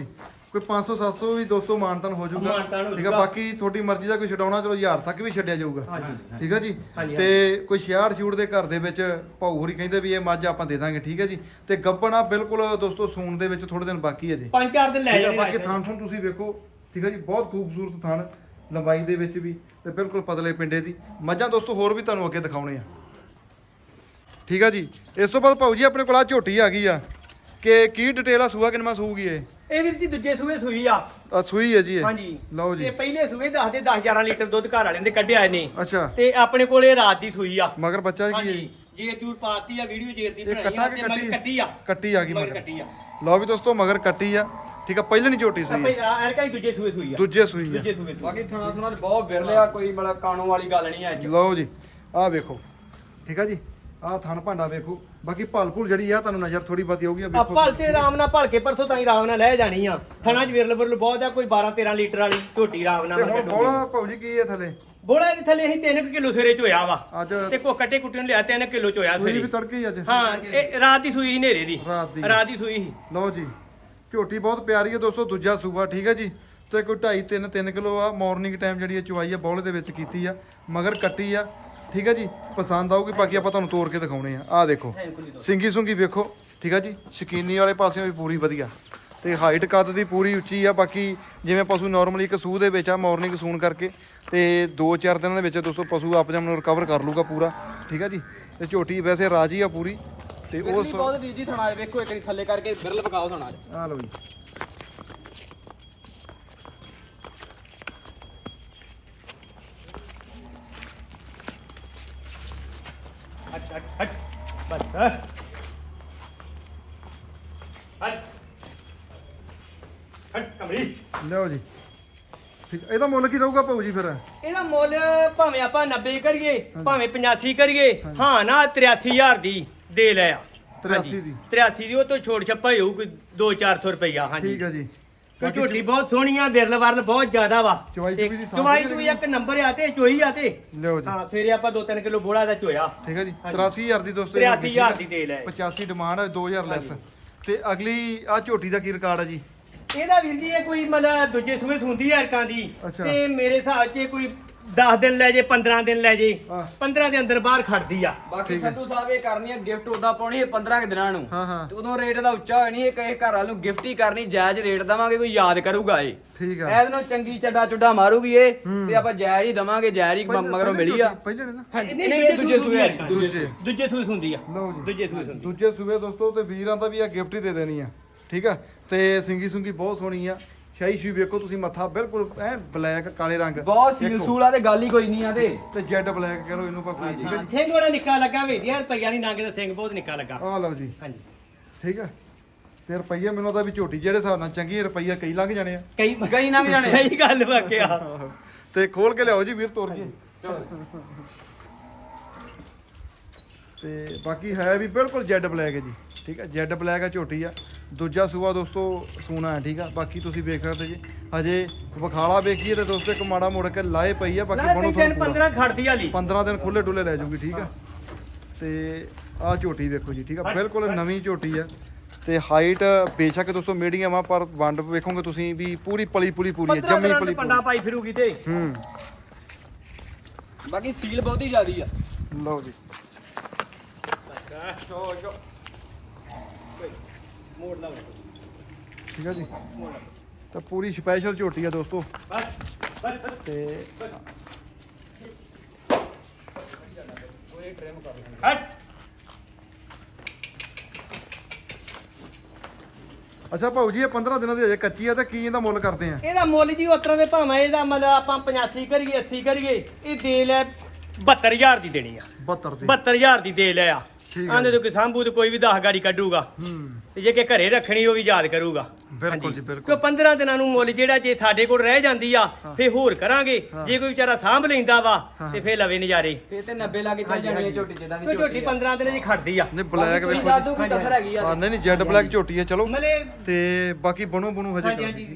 ਕੋਈ 500 700 ਵੀ ਦੋਸਤੋ ਮਾਨਤਾਨ ਹੋ ਜਾਊਗਾ ਮਾਨਤਾਨ ਹੋ ਠੀਕ ਆ। ਜਾਊਗਾ। ਬਾਕੀ ਤੁਹਾਡੀ ਮਰਜ਼ੀ ਦਾ ਕੋਈ ਛਡਾਉਣਾ ਚਲੋ 1000 ਤੱਕ ਵੀ ਛੱਡਿਆ ਜਾਊਗਾ ਹਾਂਜੀ ਠੀਕ ਆ ਜੀ। ਹਾਂਜੀ, ਤੇ ਕੋਈ 66 ਛੂਟ ਦੇ ਘਰ ਦੇ ਵਿੱਚ ਭਾਊ ਹੋਰੀ ਕਹਿੰਦੇ ਵੀ ਇਹ ਮੱਝ ਆਪਾਂ ਦੇ ਦਾਂਗੇ ਠੀਕ ਹੈ ਜੀ। ਤੇ ਗੱਬਣ ਆ ਬਿਲਕੁਲ ਦੋਸਤੋ ਸੂਣ ਦੇ ਵਿੱਚ ਥੋੜੇ ਦਿਨ ਬਾਕੀ ਹੈ ਜੀ। 5-4 ਦਿਨ ਲੈ ਠੀਕ ਆ, ਜਾਣੇ ਬਾਕੀ ਰਾਜ ਥਣ ਥਣ ਤੁਸੀਂ ਵੇਖੋ ਠੀਕ ਹੈ ਜੀ, ਬਹੁਤ ਖੂਬਸੂਰਤ ਥਣ ਲੰਬਾਈ ਦੇ ਵਿੱਚ ਵੀ ਤੇ ਬਿਲਕੁਲ ਪਤਲੇ ਪਿੰਡੇ ਦੀ ਮੱਝਾਂ ਦੋਸਤੋ ਹੋਰ ਵੀ ਤੁਹਾਨੂੰ ਅੱਗੇ ਦਿਖਾਉਣੇ ਆ ਠੀਕ ਆ ਜੀ। ਇਸ ਤੋਂ ਬਾਅਦ ਭਾਊ ਜੀ ਆਪਣੇ ਕੋਲ ਆ ਝੋਟੀ ਆ ਗਈ ਆ ਕਿ ਕੀ ਡਿਟੇਲ ਆ ਸੂਆ ਕਿੰਨਾ ਸੂਗੀ ਇਹ ਵੀਰ ਜੀ ਦੂਜੇ ਸੂਏ ਸੂਈ ਆ। ਆ ਸੂਈ ਹੈ ਜੀ ਇਹ ਹਾਂਜੀ ਲਓ ਜੀ। ਤੇ ਪਹਿਲੇ ਸੂਏ ਦੱਸਦੇ 10-11 ਲੀਟਰ ਦੁੱਧ ਘਰ ਵਾਲਿਆਂ ਦੇ ਕੱਢਿਆ ਨੇ ਅੱਛਾ ਤੇ ਆਪਣੇ ਕੋਲ ਇਹ ਰਾਤ ਦੀ ਸੂਈ ਆ। ਮਗਰ ਬੱਚਾ ਕੀ ਹੈ ਹਾਂਜੀ ਜੇਰ ਜੂਰ ਪਾਤੀ ਆ, ਵੀਡੀਓ ਜੇਰ ਦੀ ਇਹ ਬਣਾਈ ਕੱਟਾ ਆ ਕਿ ਤੇ ਮਗਰ ਕੱਟੀ ਆ। ਕੱਟੀ ਆ ਗਈ ਮਗਰ ਮਗਰ ਕੱਟੀ ਆ। ਲਓ ਵੀ ਦੋਸਤੋ ਮਗਰ ਕੱਟੀ ਆ ਠੀਕ ਆ। ਪਹਿਲਾਂ ਨਹੀਂ ਝੋਟੀ ਸੂਈ ਆਪੇ ਐਲਕਾ ਹੀ ਦੂਜੇ ਸੂਏ ਸੂਈ ਆ। ਦੂਜੇ ਸੂਈ ਆ ਦੂਜੇ ਸੂਏ ਸੂਈ। ਬਾਕੀ ਥਣਾ ਬਹੁਤ ਵਿਰਲਿਆ, ਕੋਈ ਮਤਲਬ ਕਾਣੂ ਵਾਲੀ ਗੱਲ ਨਹੀਂ ਹੈ ਅੱਜ। ਲਓ ਜੀ ਆਹ ਵੇਖੋ ਠੀਕ ਆ ਜੀ। ਆਹ ਥਣ ਭਾਂਡਾ ਵੇਖੋ। ਬਾਕੀ ਭਲ ਜਿਹੜੀ ਆ ਤੁਹਾਨੂੰ ਨਜ਼ਰ ਥੋੜੀ ਬਹੁਤੀ ਆਊਗੀ। ਆ ਭਲ ਤੇ ਆਰਾਮ ਨਾਲ ਭਲ ਕੇ ਪਰਸੋਂ ਤਾਈ ਆਰਾਮ ਨਾਲ ਲੈ ਜਾਣੀ ਆ। ਥਣਾ ਚ ਵਿਰਲ ਵਿਰਲ ਬਹੁਤ ਆ, ਕੋਈ 12-13 ਲੀਟਰ ਵਾਲੀ ਝੋਟੀ ਆਰਾਮ ਨਾਲ ਤੇ ਮੈਂ ਹੁਣ ਕੱਢੂਗੀ। ਬੋਲਾ ਭਾਊ ਜੀ ਕੀ ਹੈ ਥੱਲੇ ਬੋਲਾ ਇਹਦੇ ਥੱਲੇ ਅਸੀਂ 3 ਕਿਲੋ ਸਵੇਰੇ ਚੋਇਆ ਵਾ ਅੱਜ ਤੇ ਕੋ ਕੱਟੇ ਕੁੱਟੇ ਨੂੰ ਲਿਆ 3 ਕਿਲੋ ਚੋਇਆ ਸੂਈ ਵੀ ਸਵੇਰੇ। ਤੜਕੇ ਹੀ ਅੱਜ ਹਾਂ ਇਹ ਰਾਤ ਦੀ ਸੂਈ ਸੀ ਹਨੇਰੇ ਦੀ। ਰਾਤ ਦੀ ਸੂਈ ਸੀ। ਲਓ ਜੀ ਝੋਟੀ ਬਹੁਤ ਪਿਆਰੀ ਹੈ ਦੋਸਤੋ। ਦੂਜਾ ਸੂਬਾ ਠੀਕ ਹੈ ਜੀ। ਤੇ ਕੋਈ 2.5-3 ਕਿਲੋ ਆ ਮਾਰਨਿੰਗ ਟਾਈਮ ਜਿਹੜੀ ਇਹ ਚੁਆਈ ਆ ਬੌਲੇ ਦੇ ਵਿੱਚ ਕੀਤੀ ਆ। ਮਗਰ ਕੱਟੀ ਆ ਠੀਕ ਹੈ ਜੀ। ਪਸੰਦ ਆਊਗੀ ਬਾਕੀ ਆਪਾਂ ਤੁਹਾਨੂੰ ਤੋੜ ਕੇ ਦਿਖਾਉਣੇ ਆ। ਆਹ ਦੇਖੋ ਸਿੰਗੀ ਸੁੰਗੀ ਵੇਖੋ ਠੀਕ ਆ ਜੀ। ਸ਼ਕੀਨੀ ਵਾਲੇ ਪਾਸਿਓਂ ਵੀ ਪੂਰੀ ਵਧੀਆ ਤੇ ਹਾਈਟ ਕੱਦ ਦੀ ਪੂਰੀ ਉੱਚੀ ਆ। ਬਾਕੀ ਜਿਵੇਂ ਪਸ਼ੂ ਨਾਰਮਲੀ ਇੱਕ ਸੂਹ ਦੇ ਵਿੱਚ ਆ ਮਾਰਨਿੰਗ ਸੂਣ ਕਰਕੇ ਤੇ 2-4 ਦਿਨਾਂ ਦੇ ਵਿੱਚ ਦੋਸਤੋ ਪਸ਼ੂ ਆਪ ਜਮ ਨੂੰ ਰਿਕਵਰ ਕਰ ਲੂਗਾ ਪੂਰਾ ਠੀਕ ਆ ਜੀ। ਤੇ ਝੋਟੀ ਵੈਸੇ ਰਾਜੀ ਆ ਪੂਰੀ ਤੇ ਵਿਰਲੀ ਉਸ ਬਹੁਤ ਵੀਰ ਜੀ ਥਣਾ ਵੇਖੋ, ਇੱਕ ਵਾਰੀ ਥੱਲੇ ਕਰਕੇ ਵਿਰਲ ਵਿਖਾਓ ਥਣਾ। ਆ ਲਓ ਜੀ ਹਟ ਹਟ ਹਟ ਬਸ ਹਟ ਹਟ ਕਮਲੀ। ਲਓ ਜੀ ਠੀਕ। ਇਹਦਾ ਮੁੱਲ ਕੀ ਰਹੂਗਾ ਭਾਊ ਜੀ ਫਿਰ? ਇਹਦਾ ਮੁੱਲ ਭਾਵੇਂ ਆਪਾਂ 90 ਕਰੀਏ ਭਾਵੇਂ 85 ਕਰੀਏ ਹਾਂ ਨਾ 83000 ਦੀ ਦੇ ਲਿਆ। 83 ਦੀ 83 ਦੀ ਉਹ ਤੋਂ ਛੋੜ ਛੱਪਾ ਹੀ ਹੋਊ ਕੋਈ 200-400 ਰੁਪਈਆ। ਹਾਂਜੀ ਠੀਕ ਹੈ ਜੀ। ਕੋਈ ਝੋਟੀ ਬਹੁਤ ਸੋਹਣੀ ਆ, ਵਿਰਲ ਵਰਲ ਬਹੁਤ ਜ਼ਿਆਦਾ ਵਾ। ਚਵਾਈ ਚੂਈ ਦੀ ਸਾਂਭ ਚਵਾਈ ਜਿਹੜੀ ਤੂੰ ਇੱਕ ਨੰਬਰ ਆ ਤੇ ਚੋਈ ਆ ਤੇ ਲਿਓ ਜੀ ਹਾਂ ਸਵੇਰੇ ਆਪਾਂ 2-3 ਕਿਲੋ ਬੋਲਾ ਦਾ ਚੋਇਆ। ਠੀਕ ਹੈ ਜੀ। ਹਾਂਜੀ। 83000 ਦੀ ਦੋਸਤੋ 83000 ਦੀ ਦੇ ਲੈ। 85 ਡਿਮਾਂਡ ਹੈ 2000 ਲੈਸ। ਤੇ ਅਗਲੀ ਆ ਝੋਟੀ ਦਾ ਕੀ ਰਿਕਾਰਡ ਹੈ ਜੀ? ਇਹਦਾ ਵੀਰ ਜੀ ਇਹ ਕੋਈ ਮਤਲਬ ਦੂਜੇ ਸੂਏ ਹੁੰਦੀ ਹੈ ਅਰਕਾਂ ਦੀ ਅੱਛਾ। ਤੇ ਮੇਰੇ ਹਿਸਾਬ 'ਚ ਕੋਈ 10 ਦਿਨ ਲੈ ਜੇ 15 ਦਿਨ ਲੈ ਜੇ ਹਾਂ। 15 ਦੇ ਅੰਦਰ ਬਾਹਰ ਖੜਦੀ ਆ। ਬਾਕੀ ਸੰਧੂ ਸਾਹਿਬ ਇਹ ਕਰਨੀ ਹੈ ਗਿਫਟ ਉਦਾਂ ਪਾਉਣੀ ਹੈ 15 ਕੁ ਦਿਨਾਂ ਨੂੰ। ਹਾਂ ਹਾਂ ਤੇ ਉਦੋਂ ਰੇਟ ਦਾ ਉੱਚਾ ਹੋਇਆ ਨਹੀਂ, ਇਹ ਕਹੇ ਘਰ ਵਾਲ ਨੂੰ ਗਿਫਟ ਹੀ ਕਰਨੀ, ਜਾਇਜ਼ ਰੇਟ ਦਵਾਂਗੇ, ਕੋਈ ਯਾਦ ਕਰੂਗਾ ਇਹ। ਠੀਕ ਆ। ਇਹਦੇ ਨਾਲ ਚੰਗੀ ਚੱਡਾ ਚੁੱਡਾ ਮਾਰੂਗੀ ਇਹ ਤੇ ਆਪਾਂ ਜਾਇਜ਼ ਹੀ ਦਵਾਂਗੇ, ਜਾਇਜ਼ ਹੀ ਮਗਰੋਂ ਮਿਲੀ ਆ। ਪਹਿਲੇ ਨੇ ਨਾ ਨਹੀਂ ਇਹ ਦੂਜੇ ਸੂਏ ਆ ਜੀ, ਦੂਜੇ ਸੂਏ ਹੁੰਦੀ ਆ। ਲਓ ਜੀ ਦੂਜੇ ਸੂਏ ਹੁੰਦੀ। ਦੂਜੇ ਸੂਬੇ ਦੋਸਤੋ ਤੇ ਵੀਰਾਂ ਦਾ ਵੀ ਆ ਗਿਫਟ ਹੀ ਦੇ ਦੇਣੀ ਆ ਠੀਕ ਆ। ਤੇ ਸਿੰਗੀ ਸੁੰਗੀ ਬਹੁਤ ਸੋਹਣੀ ਆ। ਸ਼ਾਹੀ ਸ਼ੂ ਵੇਖੋ ਤੁਸੀਂ, ਮੱਥਾ ਬਿਲਕੁਲ ਐ ਬਲੈਕ ਕਾਲੇ ਰੰਗ ਬਹੁਤ ਸੀਲ ਦੇਖੋ। ਸੂਲਾ ਤੇ ਗੱਲ ਹੀ ਕੋਈ ਨਹੀਂ ਆ ਤੇ ਜੈਡ ਬਲੈਕ ਕਹ ਲਓ ਇਹਨੂੰ ਭਾਵੇਂ ਠੀਕ ਹੈ ਜੀ। ਸਿੰਘ ਬੜਾ ਨਿੱਕਾ ਲੱਗਾ ਵੇਖਿਆ ਰੁਪਈਆ ਨਹੀਂ ਨੰਗ ਦਾ ਸਿੰਘ ਬਹੁਤ ਨਿੱਕਾ ਲੱਗਾ। ਆ ਲਓ ਜੀ ਹਾਂਜੀ ਠੀਕ ਆ। ਤੇ ਰੁਪਈਆ ਮੈਨੂੰ ਤਾਂ ਵੀ ਝੋਟੀ ਜਿਹੜੇ ਹਿਸਾਬ ਨਾਲ ਚੰਗੀ ਰੁਪਈਆ ਕਈ ਲੰਘ ਜਾਣੇ ਆ। ਕਈ ਨਾ ਵੀ ਜਾਣੇ। ਸਹੀ ਗੱਲ ਵਾਕਿਆ। ਤੇ ਖੋਲ ਕੇ ਲਿਆਓ ਜੀ ਵੀਰ ਤੋਰ ਜੀ। ਤੇ ਬਾਕੀ ਹੈ ਵੀ ਬਿਲਕੁਲ ਜੈਡ ਬਲੈਕ ਹੈ ਜੀ ਠੀਕ ਹੈ। ਜੈਡ ਬਲੈਕ ਹੈ ਝੋਟੀ ਆ। ਦੂਜਾ ਸੂਆ ਦੋਸਤੋ ਸੂਣਾ ਹੈ ਠੀਕ ਆ। ਬਾਕੀ ਤੁਸੀਂ ਵੇਖ ਸਕਦੇ ਜੀ ਹਜੇ ਵਿਖਾਲਾ ਵੇਖੀਏ ਤੇ ਦੋਸਤੋ ਇੱਕ ਮਾੜਾ ਮੋੜ ਕੇ ਲਾਏ ਪਈ ਆ। ਬਾਕੀ ਬਣੋ ਦਿਨ 15 ਖੜਦੀ ਵਾਲੀ 15 ਦਿਨ ਖੁੱਲੇ ਡੁੱਲੇ ਲੈ ਜਾਊਗੀ ਠੀਕ ਆ। ਤੇ ਆਹ ਝੋਟੀ ਵੇਖੋ ਜੀ ਠੀਕ ਆ। ਬਿਲਕੁਲ ਨਵੀਂ ਝੋਟੀ ਆ। ਤੇ ਹਾਈਟ ਬੇਸ਼ੱਕ ਦੋਸਤੋ ਮੀਡੀਅਮ ਆ ਪਰ ਵੰਡ ਵੇਖੋਗੇ ਤੁਸੀਂ ਵੀ ਪੂਰੀ ਪਲੀ ਪੂਰੀ ਆ ਜੰਮੀ ਪਲੀ ਪੰਡਾ ਪਾਈ ਫਿਰੂਗੀ ਤੇ ਬਾਕੀ ਸੀਲ ਬਹੁਤੀ ਜ਼ਿਆਦੀ ਆ। ਲਓ ਜੀ ਮੋੜ ਲਾ ਠੀਕ ਆ ਜੀ। ਤਾਂ ਪੂਰੀ ਸਪੈਸ਼ਲ ਝੋਟੀ ਆ ਦੋਸਤੋ। ਬਸ ਬਸ ਤੇ ਹਟ। ਅੱਛਾ ਭਾਊ ਜੀ ਇਹ 15 ਦਿਨਾਂ ਦੀ ਅਜੇ ਕੱਚੀ ਆ ਤੇ ਕੀ ਇਹਦਾ ਮੁੱਲ ਕਰਦੇ ਆ? ਇਹਦਾ ਮੁੱਲ ਜੀ ਉਸ ਤਰ੍ਹਾਂ ਦੇ ਭਾਵੇਂ ਇਹਦਾ ਮਤਲਬ ਆਪਾਂ 85 ਕਰੀਏ 80 ਕਰੀਏ ਇਹ ਦੇ ਲੈ 72000 ਦੀ ਦੇਣੀ ਆ। 72 ਦੀ 72000 ਦੀ ਦੇ ਲਿਆ। ਠੀਕ ਹੈ। ਆਂਦੇ ਤੋਂ ਕਿ ਸਾਂਭੂ ਤੇ ਕੋਈ ਵੀ 10 ਗਾੜੀ ਕੱਢੂਗਾ ਤੇ ਜੇ ਕਿ ਘਰੇ ਰੱਖਣੀ ਉਹ ਵੀ ਯਾਦ ਕਰੂਗਾ। ਬਿਲਕੁਲ ਹਾਂਜੀ। ਜੀ, ਬਿਲਕੁਲ। ਕਿਉਂ 15 ਦਿਨਾਂ ਨੂੰ ਮੁੱਲ ਜਿਹੜਾ ਜੇ ਸਾਡੇ ਕੋਲ ਰਹਿ ਜਾਂਦੀ ਆ ਫੇ ਹੋਰ ਕਰਾਂਗੇ। ਜੇ ਕੋਈ ਵਿਚਾਰਾ ਸਾਂਭ ਲੈਂਦਾ ਵਾ ਤੇ ਫੇ ਲਵੇ ਨਜ਼ਾਰੇ। ਫੇਰ ਤੇ 90 ਲਾ ਕੇ ਚੱਲ ਜਾਣੀ ਹੈ ਝੋਟੀ ਜਿੱਦਾਂ ਦੀ ਕੋਈ ਝੋਟੀ 15 ਦਿਨਾਂ ਦੀ ਖੜਦੀ ਆ। ਨਹੀਂ ਬਲੈਕ ਵੇਖੋ ਦਾਦੂ ਕੀ ਕਸਰ ਹੈਗੀ ਜੀ। ਆ। ਹਾਂ ਨਹੀਂ ਜੈਡ ਬਲੈਕ ਝੋਟੀ ਆ ਚਲੋ। ਮਲੇ ਤੇ ਬਾਕੀ ਬਣੋ ਹਜੇ ਹਾਂਜੀ, ਕਰੋ, ਹਾਂਜੀ। ਠੀਕ ਆ।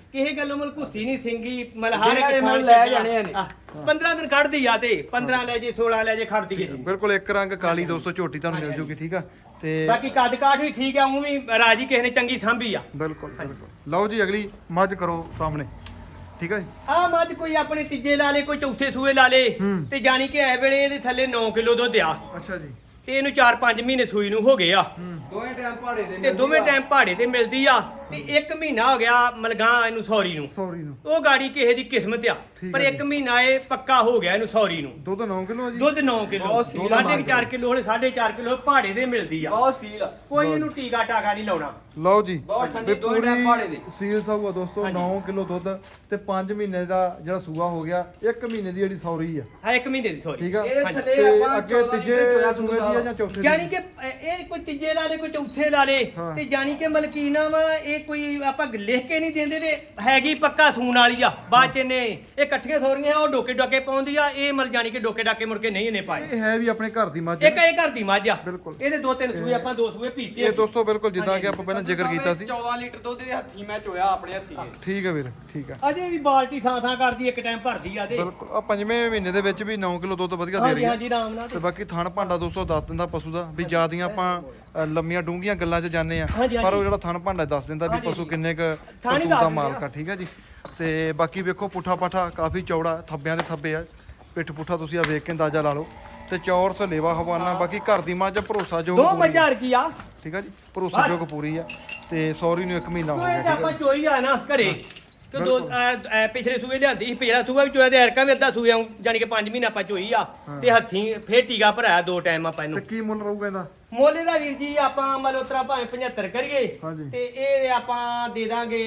ਕਿਸੇ ਗੱਲੋਂ ਮਲ ਘੁੱਸੀ ਨਹੀਂ ਸਿੰਗੀ ਮਲ ਹਰ ਜਿਹੜਾ ਇੱਕ ਇਹ ਮੁੱਲ ਥਾਂ ਲੈ ਚ ਜਾਣੇ ਆ ਨੇ। 15 ਦਿਨ ਕੱਢਦੀ ਆ ਤੇ 15 ਲੈ ਜੇ 16 ਲੈ ਜੇ ਖੜਦੀ ਹੈ ਜੀ। ਬਿਲਕੁਲ ਇੱਕ ਰੰਗ ਕਾਲੀ ਦੋਸਤੋ ਝੋਟੀ ਤੁਹਾਨੂੰ ਮਿਲ ਜੂਗੀ ਠੀਕ ਆ ਤੇ ਬਾਕੀ ਕੱਦ ਕਾਠ ਵੀ ਠੀਕ ਆ ਉਹ ਵੀ ਰਾਜੀ ਕਿਸੇ ਨੇ ਚੰਗੀ ਸਾਂਭੀ ਆ। ਬਿਲਕੁਲ ਬਿਲਕੁਲ ਲਓ ਜੀ ਅਗਲੀ ਮੱਝ ਕਰੋ ਸਾਹਮਣੇ ਠੀਕ ਆ ਜੀ ਆ ਮੱਝ ਕੋਈ ਆਪਣੇ ਤੀਜੇ ਲਾ ਲੇ ਕੋਈ ਚੌਥੇ ਸੂਏ ਲਾ ਲੇ ਤੇ ਜਾਣੀ ਕਿ ਇਹ ਵੇਲੇ ਇਹਦੇ ਥੱਲੇ 9 ਕਿਲੋ ਦੁੱਧ ਆ ਅੱਛਾ ਜੀ ਤੇ ਇਹਨੂੰ 4-5 ਮਹੀਨੇ ਸੂਈ ਨੂੰ ਹੋ ਗਏ ਆ ਦੋਵੇਂ ਟਾਈਮ ਪਹਾੜੇ ਦੇ ਤੇ ਦੋਵੇਂ ਟਾਈਮ ਪਹਾੜੇ ਤੇ ਮਿਲਦੀ ਆ ਤੇ 1 ਮਹੀਨਾ ਹੋ ਗਿਆ ਮਲਗਾਂ ਇਹਨੂੰ ਸੌਰੀ ਨੂੰ ਸੌਰੀ ਨੂੰ ਉਹ ਗਾੜੀ ਕਿਸੇ ਦੀ ਕਿਸਮਤ ਆ ਠੀਕ ਪਰ ਹੈ 1 ਮਹੀਨਾ ਇਹ ਪੱਕਾ ਹੋ ਗਿਆ ਇਹਨੂੰ ਸੌਰੀ ਨੂੰ ਦੁੱਧ 9 ਕਿਲੋ ਆ ਜੀ ਦੁੱਧ 9 ਕਿਲੋ ਬਹੁਤ ਸੀਲ ਆ 4.5 ਕਿਲੋ ਹਲੇ 4.5 ਕਿਲੋ ਪਹਾੜੇ ਦੇ ਮਿਲਦੀ ਆ ਬਹੁਤ ਸੀਲ ਆ ਕੋਈ ਇਹਨੂੰ ਟੀਕਾ ਟਾਕਾ ਨਹੀਂ ਲਾਉਣਾ ਲਓ ਜੀ ਬਹੁਤ ਠੰਡੀ, ਤੇ ਦੋਵੇਂ ਟਾਈਮ ਪਹਾੜੇ ਦੇ। ਸੀਲ ਸਾਊ ਆ ਦੋਸਤੋ 9 ਕਿਲੋ ਦੁੱਧ ਤੇ 5 ਮਹੀਨੇ ਦਾ ਜਿਹੜਾ ਸੂਆ ਹੋ ਗਿਆ 1 ਮਹੀਨੇ ਦੀ ਜਿਹੜੀ ਸੌਰੀ ਆ ਹਾਂ 1 ਮਹੀਨੇ ਦੀ ਸੌਰੀ ਠੀਕ ਆ ਇਹਦੇ ਹਾਂਜੀ। ਥੱਲੇ ਤੇ ਆਪਾਂ ਅੱਗੇ 14 ਤੀਜੇ ਲੀਟਰ ਚੋਇਆ ਸੂਏ ਦੀ ਆ ਜਾਂ ਚੌਥੇ ਦੀ ਜਾਨੀ ਕਿ ਇਹ ਕੋਈ ਤੀਜੇ ਲਾ ਲੇ ਕੋਈ ਚੌਥੇ ਲਾ ਲੇ ਹਾਂ। ਤੇ ਜਾਨੀ ਕਿ ਮਲਕੀਨਾ ਵਾ ਇਹ ਕੋਈ ਆਪਾਂ ਲਿਖ ਕੇ ਨਹੀਂ ਦਿੰਦੇ ਤੇ ਹੈਗੀ ਪੱਕਾ ਸੂਣ ਵਾਲੀ ਆ ਬਾਅਦ ਚ ਇਹਨੇ ਇਹ ਇਕੱਠੀਆਂ ਸੋਰੀਆਂ ਉਹ ਡੋਕੇ ਡਾਕੇ ਪਾਉਂਦੀ ਆ ਇਹ ਮਲ ਜਾਨੀ ਕਿ ਡੋਕੇ ਡਾਕੇ ਮੁੜ ਕੇ ਨਹੀਂ ਇਹਨੇ ਪਾਏ ਇਹ ਹੈ ਵੀ ਆਪਣੇ ਘਰ ਦੀ ਮੱਝ ਇੱਕ ਇਹ ਘਰ ਦੀ ਮੱਝ ਆ ਬਿਲਕੁਲ। ਇਹਦੇ 2-3 ਸੂਏ ਆਪਾਂ 2 ਸੂਏ ਪੀਤੇ ਇਹ ਆ। ਦੋਸਤੋ ਬਿਲਕੁਲ ਜਿੱਦਾਂ ਕਿ ਆਪਾਂ ਪਹਿਲਾਂ ਜ਼ਿਕਰ ਕੀਤਾ ਸੀ 14 ਲੀਟਰ ਦੁੱਧ ਦੇ ਹੱਥੀ ਮੈਂ ਚੋਇਆ ਆਪਣੇ ਹੱਥੀ ਇਹ। ਠੀਕ ਆ ਵੀਰ ਠੀਕ ਆ ਅਜੇ ਵੀ ਬਾਲਟੀ ਥਾਂ ਕਰਦੀ ਇੱਕ ਟਾਈਮ ਭਰਦੀ ਆ ਤੇ ਬਿਲਕੁਲ ਆ ਪੰਜਵੇਂ ਮਹੀਨੇ ਦੇ ਵਿੱਚ ਵੀ 9 ਕਿਲੋ ਦੁੱਧ ਵਧੀਆ ਦੇ ਹਾਂਜੀ ਰਹੀ ਹੈ ਹਾਂਜੀ ਰਾਮ ਨਾਲ ਤੇ ਬਾਕੀ ਥਣ ਭਾਂਡਾ ਦੋਸਤੋ ਦੱਸ ਦਿੰਦਾ ਪਸ਼ੂ ਦਾ ਵੀ ਜਿਆਦੀਆਂ ਆਪਾਂ ਲੰਮੀਆਂ ਡੂੰਘੀਆਂ ਗੱਲਾਂ 'ਚ ਜਾਂਦੇ ਆ ਹਾਂਜੀ, ਪਰ ਉਹ ਜਿਹੜਾ ਥਣ ਭਾਂਡਾ ਦੱਸ ਦਿੰਦਾ ਵੀ ਹਾਂਜੀ, ਪਸ਼ੂ ਕਿੰਨੇ ਕ ਥਣ ਹੀ ਪਸ਼ੂ ਦੱਸ ਦਾ ਦਿੰਦੇ ਮਾਲਕ ਆ ਠੀਕ ਆ ਜੀ ਤੇ ਬਾਕੀ ਵੇਖੋ ਪੁੱਠਾ ਪਾਠਾ ਕਾਫੀ ਚੌੜਾ ਥੱਬਿਆਂ ਦੇ ਥੱਬੇ ਆ ਪਿੱਠ ਪੁੱਠਾ ਤੁਸੀਂ ਆ ਵੇਖ ਕੇ ਅੰਦਾਜ਼ਾ ਲਾ ਲਓ ਤੇ ਚੌਰ ਸਲੇਵਾ ਹਵਾਨਾ ਬਾਕੀ ਘਰ ਦੀ ਮੱਝ ਭਰੋਸਾਯੋਗ ਦੋ ਪੂਰੀ ਆ, ਮੱਝਾਂ ਕੀ ਆ ਠੀਕ ਆ ਜੀ ਭਰੋਸਾਯੋਗ ਪੂਰੀ ਆ ਤੇ ਸੌਰੀ ਨੂੰ 1 ਮਹੀਨਾ ਹੋ ਸੂਏ ਗਿਆ ਤੇ ਠੀਕ ਆ ਆਪਾਂ ਚੋਈ ਆ ਨਾ ਘਰੇ ਤੇ ਦੋ ਪਿਛਲੇ ਸੂਏ ਲਿਆਂਦੀ ਸੀ ਪਿਛਲਾ ਸੂਆ ਵੀ ਚੋਇਆ ਤੇ ਐਰਕਾ ਵੀ ਅੱਧਾ ਸੂਆ ਜਾਨੀ ਕਿ 5 ਮਹੀਨੇ ਆਪਾਂ ਚੋਈ ਆ ਤੇ ਹੱਥੀਂ ਫੇਰ ਟੀਕਾ ਭਰਾਇਆ 2 ਟਾਈਮ ਆਪਾਂ ਤੇ ਇਹਨੂੰ ਕੀ ਮੁੱਲ ਰਹੂਗਾ ਇਹਦਾ ਮੋਲੇ ਦਾ ਵੀਰ ਜੀ ਆਪਾਂ ਮਤਲਬ ਉਤਰਾ ਭਾਵੇਂ 75 ਕਰੀਏ ਹਾਂਜੀ। ਤੇ ਇਹ ਆਪਾਂ ਦੇ ਦਾਂਗੇ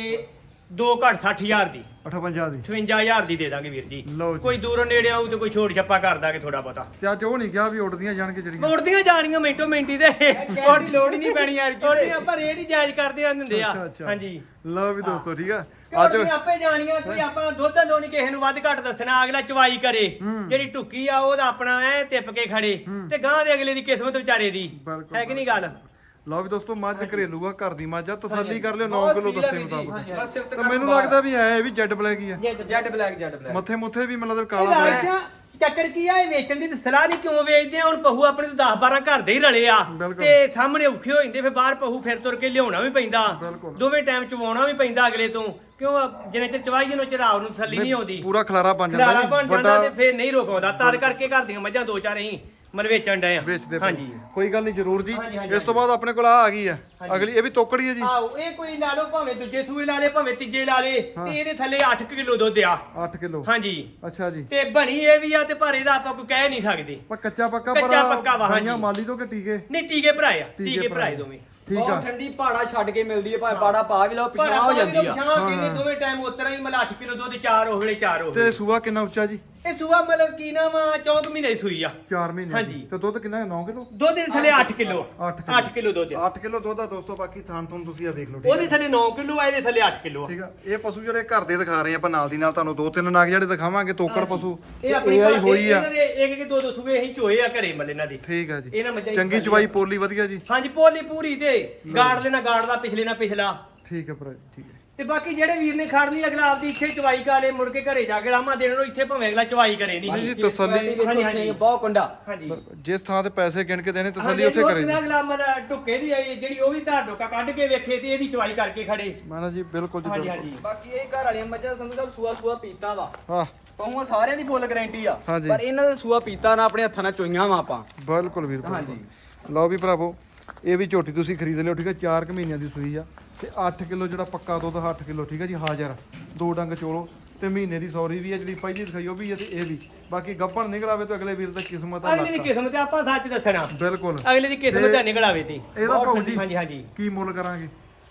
2 ਘੱਟ 60000 ਦੀ 58 ਦੀ 58000 ਦੀ ਦੇ ਦਾਂਗੇ ਵੀਰ ਜੀ ਲਓ ਜੀ। ਕੋਈ ਦੂਰੋਂ ਨੇੜੇ ਆਊ ਤੇ ਕੋਈ ਛੋਟ ਛੱਪਾ ਕਰ ਦਾਂਗੇ ਥੋੜਾ ਬਹੁਤਾ ਤੇ ਅੱਜ ਉਹ ਨਹੀਂ ਕਿਹਾ ਵੀ ਉੱਡਦੀਆਂ ਜਾਣਗੇ ਜਿਹੜੀਆਂ ਮੋੜਦੀਆਂ ਜਾਣੀਆਂ ਮਿੰਟੋ ਮਿੰਟੀ ਦੇ ਕਹਿਣ ਦੀ ਲੋੜ ਹੀ ਨਹੀਂ ਪੈਣੀ ਯਾਰ ਉਹਨੇ ਆਪਾਂ ਰੇਟ ਹੀ ਜਾਇਜ਼ ਕਰਦੇ ਆਂ ਦਿੰਦੇ ਆ ਅੱਛਾ, ਅੱਛਾ। ਹਾਂਜੀ ਲਓ ਵੀ ਦੋਸਤੋ ਠੀਕ ਆ ਅੱਜ ਅੱਜ ਆਪੇ ਜਾਣੀਆਂ ਕੋਈ ਆਪਾਂ ਦੁੱਧ ਲੋ ਨਹੀਂ ਕਿਸੇ ਨੂੰ ਵੱਧ ਘੱਟ ਦੱਸਣਾ ਅਗਲਾ ਚਵਾਈ ਕਰੇ ਜਿਹੜੀ ਟੁੱਕੀ ਆ ਉਹਦਾ ਆਪਣਾ ਐ ਟਿਪ ਕੇ ਖੜੇ ਤੇ ਗਾਂ ਦੇ ਅਗਲੇ ਦੀ ਕਿਸਮਤ ਵਿਚਾਰੇ ਦੀ ਬਿਲਕੁਲ, ਹੈ ਕਿ ਨਹੀਂ ਗੱਲ ਲਓ ਵੀ ਦੋਸਤੋ ਮੱਝ ਘਰੇਲੂ ਆ ਘਰ ਦੀ ਮੱਝ ਆ ਤਸੱਲੀ ਕਰ ਲਿਓ 9 ਬਹੁਤ ਕਿਲੋ ਸੀਲ ਆ ਦੱਸੇ ਵੀਰ ਜੀ। ਮੁਤਾਬਕ ਬਸ ਸਿਫਤ ਤੇ ਕਰਨ ਮੈਨੂੰ ਬਾਅਦ। ਲੱਗਦਾ ਵੀ ਹੈ ਇਹ ਵੀ ਜੈਡ ਬਲੈਕ ਹੀ ਆ ਜੈਡ ਬਲੈਕ ਮੱਥੇ ਮੁੱਥੇ ਵੀ ਮਤਲਬ ਇਹ ਕਾਲਾ ਬਲੈਕ ਰਾਜਾ ਚੱਕਰ ਕੀ ਆ ਇਹ ਵੇਚਣ ਦੀ ਤੇ ਸਲਾਹ ਨਹੀਂ ਕਿਉਂ ਵੇਚਦੇ ਆ ਹੁਣ ਪਹੂ ਆਪਣੇ ਤੋਂ 10-12 ਘਰ ਦੇ ਹੀ ਰਲੇ ਆ ਬਿਲਕੁਲ। ਤੇ ਸਾਹਮਣੇ ਔਖੇ ਹੋ ਜਾਂਦੇ ਫਿਰ ਬਾਹਰ ਪਹੂ ਫਿਰ ਤੁਰ ਕੇ ਲਿਆਉਣਾ ਵੀ ਪੈਂਦਾ ਬਿਲਕੁਲ। ਦੋਵੇਂ ਟਾਈਮ ਚਵਾਉਣਾ ਵੀ ਪੈਂਦਾ ਅਗਲੇ ਤੋਂ ਕਿਉਂ ਜਿੰਨੇ ਚਿਰ ਚਵਾਈ ਜਿਹਨੂੰ ਚਰਾਵ ਨੂੰ ਤਸੱਲੀ ਨਹੀਂ ਆਉਂਦੀ ਪੂਰਾ ਖਲਾਰਾ ਬਣ ਖਲਾਰਾ ਜਾਂਦਾ ਬਣ ਜੀ ਜਾਂਦਾ ਤੇ ਵੱਡਾ ਫਿਰ ਨਹੀਂ ਰੋਕਾਉਂਦਾ ਤਦ ਕਰਕੇ ਘਰ ਦੀਆਂ ਮੱਝਾਂ 2-4 ਅਸੀਂ ਮਤਲਬ ਵੇਚਣ ਡਏ ਆ ਵੇਚਦੇ ਪਏ। ਹਾਂਜੀ ਕੋਈ ਗੱਲ ਨਹੀਂ ਜ਼ਰੂਰ ਜੀ ਹਾਂਜੀ, ਹਾਂਜੀ, ਇਸ ਤੋਂ ਬਾਅਦ ਆਪਣੇ ਕੋਲ ਆ ਗਈ ਆ ਅਗਲੀ ਇਹ ਵੀ ਤੋਕੜੀ ਹੈ ਜੀ ਆਓ ਇਹ ਕੋਈ ਲਾ ਲਓ ਭਾਵੇਂ ਦੂਜੇ ਸੂਏ ਲਾ ਲੇ ਭਾਵੇਂ ਤੀਜੇ ਲਾ ਲੇ ਤੇ ਇਹਦੇ ਥੱਲੇ 8 ਕਿਲੋ ਦੁੱਧ ਆ 8 ਕਿਲੋ ਹਾਂਜੀ ਅੱਛਾ ਜੀ ਤੇ ਬਣੀ ਇਹ ਵੀ ਆ ਤੇ ਪਰ ਇਹਦਾ ਆਪਾਂ ਕੋਈ ਕਹਿ ਨਹੀਂ ਸਕਦੇ ਪਰ ਕੱਚਾ ਪੱਕਾ ਕੱਚਾ ਪੱਕਾ ਵਾ, ਖਾਈਆਂ ਹਾਂਜੀ। ਮਾਲੀ ਤੋਂ ਕਿ ਟੀਕੇ ਨਹੀਂ ਟੀਕੇ ਭਰਾਏ ਆ ਟੀਕੇ ਟੀਕੇ ਭਰਾਏ ਭਰਾਏ ਦੋਵੇਂ ਠੀਕ ਆ ਬਹੁਤ ਠੰਡੀ ਪਹਾੜਾ ਛੱਡ ਕੇ ਮਿਲਦੀ ਹੈ ਭਾਵੇਂ ਪਹਾੜਾ ਪਾ ਵੀ ਲਓ ਪਰ ਪਿਛਣਾ ਹੋ ਜਾਂਦੀ ਆ ਪਛਾਂ ਕਿੰਨੇ ਦੋਵੇਂ ਟਾਈਮ ਉਤਰਾ ਹੀ ਮਤਲਬ 8 ਕਿਲੋ ਦੁੱਧ 4 ਉਹ ਵੇਲੇ 4 ਉਹ ਤੇ ਸੂਆ ਕਿੰਨਾ ਉੱਚਾ ਜੀ ਇਹ ਸੂਆ ਮਤਲਬ ਕੀ ਨਾ ਵਾ 4 ਮਹੀਨੇ ਦੀ ਸੂਈ ਆ 4 ਮਹੀਨੇ ਹਾਂਜੀ। ਦੀ। ਤੇ ਦੁੱਧ ਕਿੰਨਾ 9 ਕਿਲੋ ਦੁੱਧ ਦੇ ਥੱਲੇ 8 ਕਿਲੋ 8 8 ਕਿਲੋ ਦੁੱਧ ਆ 8 ਕਿਲੋ ਦੁੱਧ ਆ ਦੋਸਤੋ ਬਾਕੀ ਥਾਣ ਤੁਹਾਨੂੰ ਤੁਸੀਂ ਆ ਵੇਖ ਲਓ ਠੀਕ ਉਹਦੇ ਥੱਲੇ 9 ਕਿਲੋ ਆ ਇਹਦੇ ਥੱਲੇ 8 ਕਿਲੋ ਆ ਠੀਕ ਆ ਇਹ ਪਸ਼ੂ ਜਿਹੜੇ ਘਰ ਦੇ ਦਿਖਾ ਰਹੇ ਆ ਆਪਾਂ ਨਾਲ ਦੀ ਨਾਲ ਤੁਹਾਨੂੰ 2-3 ਨਗ ਜਿਹੜੇ ਦਿਖਾਵਾਂਗੇ ਤੋਕੜ ਪਸ਼ੂ ਇਹ ਆਪਣੀ ਇਹ ਆਈ ਘਰ ਦੇ ਹੋਈ ਆ ਇਹਨਾਂ ਦੇ ਇੱਕ ਇੱਕ ਦੋ ਦੋ ਸੂਏ ਅਸੀਂ ਚੋਏ ਆ ਘਰੇ ਮੱਲੇ ਇਹਨਾਂ ਦੀ ਠੀਕ ਆ ਜੀ ਇਹਨਾਂ ਮੱਝਾਂ ਦੀ ਚੰਗੀ ਚਵਾਈ ਪੋਲੀ ਵਧੀਆ ਜੀ ਹਾਂਜੀ ਪੋਲੀ ਪੂਰੀ ਤੇ ਗਾੜ ਲੈਣਾ ਗਾੜ ਦਾ ਪਿਛਲੇ ਨਾਲ ਪਿਛਲਾ ਠੀਕ ਹੈ ਭਰਾ ਜੀ ਠੀਕ ਹੈ ਤੇ ਬਾਕੀ ਜਿਹੜੇ ਵੀਰ ਨੇ ਖੜਨੀ ਅਗਲਾ ਆਪਦੀ ਇੱਥੇ ਚਵਾਈ ਕਾਲੇ ਮੁੜ ਕੇ ਘਰੇ ਜਾ ਕੇ ਲਾਮਾ ਦੇਣ ਨੂੰ ਇੱਥੇ ਭਾਵੇਂ ਅਗਲਾ ਚਵਾਈ ਕਰੇ ਨਹੀਂ ਨਹੀਂ ਜੀ ਤਸੱਲੀ ਹਾਂਜੀ, ਹਾਂਜੀ। ਬਹੁਤ ਕੁੰਡਾ ਹਾਂਜੀ ਜਿਸ ਥਾਂ ਤੇ ਪੈਸੇ ਗਿਣ ਕੇ ਦੇਣੇ ਤਸੱਲੀ ਹਾਂਜੀ, ਉੱਥੇ ਉਹ ਕਰੇ ਜੀ ਅਗਲਾ ਮਤਲਬ ਢੁੱਕੇ ਦੀ ਆਈ ਜਿਹੜੀ ਉਹ ਵੀ ਧਾਰ ਢੋਕਾ ਕੱਢ ਕੇ ਵੇਖੇ ਤੇ ਇਹਦੀ ਚਵਾਈ ਕਰਕੇ ਖੜੇ ਮਾਨਾ ਜੀ ਬਿਲਕੁਲ ਜੀ ਹਾਂਜੀ ਬਿਲਕੁਲ ਹਾਂਜੀ ਬਾਕੀ ਇਹ ਘਰ ਵਾਲੀਆਂ ਮੱਝਾਂ ਸੰਧੂ ਸਾਹਿਬ ਸੂਆ ਪੀਤਾ ਵਾ ਹਾਂ ਪਹੂਆਂ ਸਾਰਿਆਂ ਦੀ ਫੁੱਲ ਗਾਰੰਟੀ ਆ ਹਾਂਜੀ। ਪਰ ਇਹਨਾਂ ਦਾ ਸੂਆ ਪੀਤਾ ਨਾ ਆਪਣੇ ਹੱਥਾਂ ਨਾਲ ਚੋਈਆਂ ਵਾ ਆਪਾਂ ਬਿਲਕੁਲ ਵੀਰ ਬਿਲਕੁਲ। ਹਾਂਜੀ। ਲਓ ਵੀ ਭਰਾਵੋ ਇਹ ਵੀ ਝੋਟੀ ਤੁਸੀਂ ਖਰੀਦ ਲਿਓ ਠੀਕ ਹੈ 4 ਕੁ ਮਹੀਨਿਆਂ ਦੀ ਸੂਈ ਆ ਤੇ 8 ਕਿਲੋ ਜਿਹੜਾ ਪੱਕਾ ਦੁੱਧ 8 ਕਿਲੋ ਠੀਕ ਹੈ ਜੀ ਹਾਜ਼ਰ 2 ਡੰਗ ਚੋਲੋ ਤੇ ਮਹੀਨੇ ਦੀ ਸੌਰੀ ਵੀ ਹੈ ਜਿਹੜੀ ਪਹਿਲੀ ਦਿਖਾਈ ਉਹ ਵੀ ਹੈ ਤੇ ਇਹ ਵੀ ਬਾਕੀ ਗੱਪਣ ਨਿਕਲ ਆਵੇ ਤਾਂ ਅਗਲੇ ਵੀਰ ਦਾ ਕਿਸਮਤ ਆ ਅਗਲੇ ਦੀ ਲੱਕ ਕਿਸਮਤ ਆ, ਆਪਾਂ ਸੱਚ ਦੱਸਣਾ ਬਿਲਕੁਲ ਅਗਲੇ ਦੀ ਕਿਸਮਤ ਆ ਨਿਕਲ ਆਵੇ ਤੇ ਇਹਦਾ ਬਹੁਤ ਭਾਉ ਜੀ ਹਾਂਜੀ ਹਾਂਜੀ ਕੀ ਮੁੱਲ ਕਰਾਂਗੇ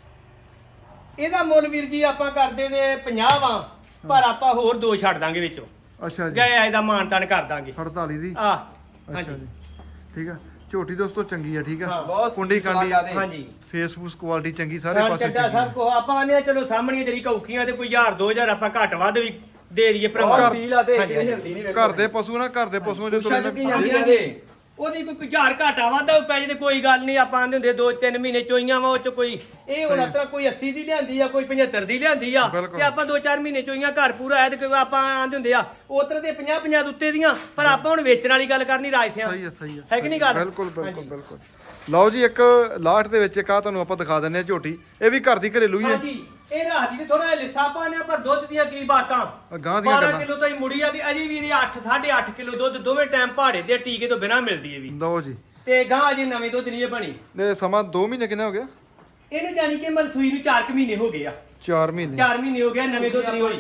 ਇਹਦਾ ਮੁੱਲ ਵੀਰ ਜੀ ਆਪਾਂ ਕਰਦੇ ਨੇ 50 ਵਾਂ ਪਰ ਆਪਾਂ ਹੋਰ ਦੋ ਛੱਡ ਦਾਂਗੇ ਵਿੱਚੋਂ ਅੱਛਾ ਜੀ ਗਏ ਇਹਦਾ ਮਾਨ ਤਾਨ ਕਰ ਦਾਂਗੇ 48 ਦੀ ਆ ਅੱਛਾ ਹਾਂਜੀ ਜੀ ਠੀਕ ਆ ਝੋਟੀ ਦੋਸਤੋ ਚੰਗੀ ਆ ਠੀਕ ਆ ਹਾਂ, ਬਹੁਤ ਕੁੰਡੀ ਸਵਾਦ ਕਾਂਡੀ ਜ਼ਿਆਦੇ। ਹਾਂਜੀ ਫੇਸਬੁੱਕ ਕੁਆਲਿਟੀ ਚੰਗੀ ਸਾਰੇ ਰਾਂ ਪਾਸੇ ਚੱਡਾ ਚੰਗੀ ਸਭ ਕੋ ਆਪਾਂ ਆਨੇ ਚਲੋ ਸਾਹਮਣੇ ਜਿਹੜੀ ਕੌਕੀਆਂ ਤੇ ਕੋਈ 1000 2000 ਆਪਾਂ ਘੱਟ ਵੱਧ ਵੀ ਦੇ ਦਈਏ ਭਰਾਵਾਂ ਬਹੁਤ ਸੀਲ ਆ ਤੇ ਹਾਂਜੀ, ਕਿਤੇ ਹਾਂਜੀ। ਹਿਲਦੀ ਨਹੀਂ ਵੇਖੋ ਘਰ ਦੇ ਪਸ਼ੂ ਨਾ ਘਰ ਦੇ ਪਛੂਆਂ ਜੋ ਪੁੱਛਾਂ ਚੁੱਕੀ ਜਾਂਦੀਆਂ ਦੇ ਉਹਦੀ ਕੋਈ 1000 ਘਾਟਾ ਵਾਧਾ ਪੈ ਜੇ ਤੇ ਕੋਈ ਗੱਲ ਨਹੀਂ ਆਪਾਂ ਆਂਦੇ ਹੁੰਦੇ 2-3 ਮਹੀਨੇ ਚੋਈਆਂ ਵਾ ਉਹ ਚ ਕੋਈ ਇਹ ਹੁਣ ਅਤਰਾ ਕੋਈ 80 ਦੀ ਲਿਆਂਦੀ ਆ ਕੋਈ 75 ਦੀ ਲਿਆਂਦੀ ਆ ਤੇ ਆਪਾਂ 2-4 ਮਹੀਨੇ ਚੋਈਆਂ ਘਰ ਪੂਰਾ ਆਇਆ ਤੇ ਆਪਾਂ ਆਂਦੇ ਹੁੰਦੇ ਆ ਉਤਰ ਦੇ 50-50 ਉੱਤੇ ਦੀਆਂ ਪਰ ਆਪਾਂ ਹੁਣ ਵੇਚਣ ਵਾਲੀ ਗੱਲ ਕਰਨੀ ਰਾਜ ਸਿਆਂ ਸਹੀ ਹੈ ਕਿ ਨਹੀਂ ਗੱਲ ਬਿਲਕੁਲ ਲਓ ਜੀ ਇੱਕ ਲਾਟ ਦੇ ਵਿੱਚ ਇੱਕ ਆ ਤੁਹਾਨੂੰ ਆਪਾਂ ਦਿਖਾ ਦਿੰਨੇ ਆ ਝੋਟੀ ਇਹ ਵੀ ਘਰ ਦੀ ਘਰੇਲੂ ਹੀ ਹੈ ਹਾਂਜੀ ਇਹ ਰਾਜੀ ਤੇ ਥੋੜਾ ਲਿੱਸਾ ਪਾਣਿਆ ਪਰ ਦੁੱਧ ਦੀਆਂ ਕੀ ਬਾਤਾਂ ਗਾਂ ਦੀਆਂ 12 ਕਿਲੋ ਤਾਈ ਮੁੜੀ ਆ ਤੇ ਅਜੇ ਵੀ ਇਹਦੀ 8.5 ਕਿਲੋ ਦੁੱਧ ਦੋਵੇਂ ਟਾਈਮ ਪਹਾੜੇ ਤੇ ਟੀਕੇ ਤੋਂ ਬਿਨਾ ਮਿਲਦੀ ਹੈ ਵੀ ਲਓ ਜੀ ਤੇ ਗਾਂ ਅਜੇ ਨਵੇਂ ਦੁੱਧ ਨਹੀਂ ਇਹ ਬਣੀ ਇਹ ਸਮਾਂ 2 ਮਹੀਨੇ ਕਿੰਨੇ ਹੋ ਗਿਆ ਇਹਨੂੰ ਜਾਣੀ ਕਿ ਮਲਸੂਈ ਨੂੰ 4 ਮਹੀਨੇ ਹੋ ਗਏ ਆ 4 ਮਹੀਨੇ 4 ਮਹੀਨੇ ਹੋ ਗਏ ਨਵੇਂ ਦੁੱਧ ਨਹੀਂ ਹੋਈ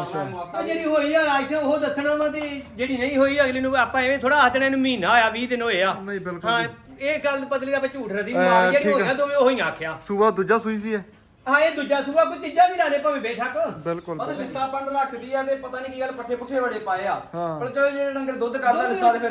ਉਹ ਜਿਹੜੀ ਹੋਈ ਆ ਰਾਜ ਸਿੰਘ ਉਹ ਦੱਸਣਾ ਵਾ ਤੇ ਜਿਹੜੀ ਨਹੀਂ ਹੋਈ ਅਗਲੇ ਨੂੰ ਆਪਾਂ ਐਵੇਂ ਥੋੜਾ ਹੱਥਣੇ ਇਹਨੂੰ ਮਹੀਨਾ ਹੋਇਆ 20 ਦਿਨ ਹੋਏ ਆ ਨਹੀਂ ਬਿਲਕੁਲ ਹਾਂ ਇਹ ਗੱਲ ਬਦਲੀ ਦਾ ਆਪਾਂ ਝੂਠ ਰਦੀ ਮਾਰ ਜਿਹੜੀ ਹੋਇਆ ਦੋਵੇਂ ਉਹੀ ਆਖਿਆ ਸੂਆ ਦੂਜਾ ਸੂਈ ਸੀ ਇਹ ਹਾਂ ਇਹ ਦੂਜਾ ਸੂਆ ਕੋਈ ਤੀਜਾ ਵੀ ਲਾਣੇ ਭਾਵੇਂ ਬੇਸ਼ੱਕ ਬਿਲਕੁਲ ਬਸ ਲਿੱਸਾ ਪੰਡ ਰੱਖਦੀ ਆ ਤੇ ਪਤਾ ਨਹੀਂ ਕੀ ਗੱਲ ਪੱਠੇ ਪੁੱਠੇ ਬੜੇ ਪਾਏ ਆ ਹਾਂ। ਪਰ ਚਲੋ ਜਿਹੜੇ ਡੰਗਰ ਦੁੱਧ ਕੱਢਦਾ ਲਿੱਸਾ ਤੇ ਫਿਰ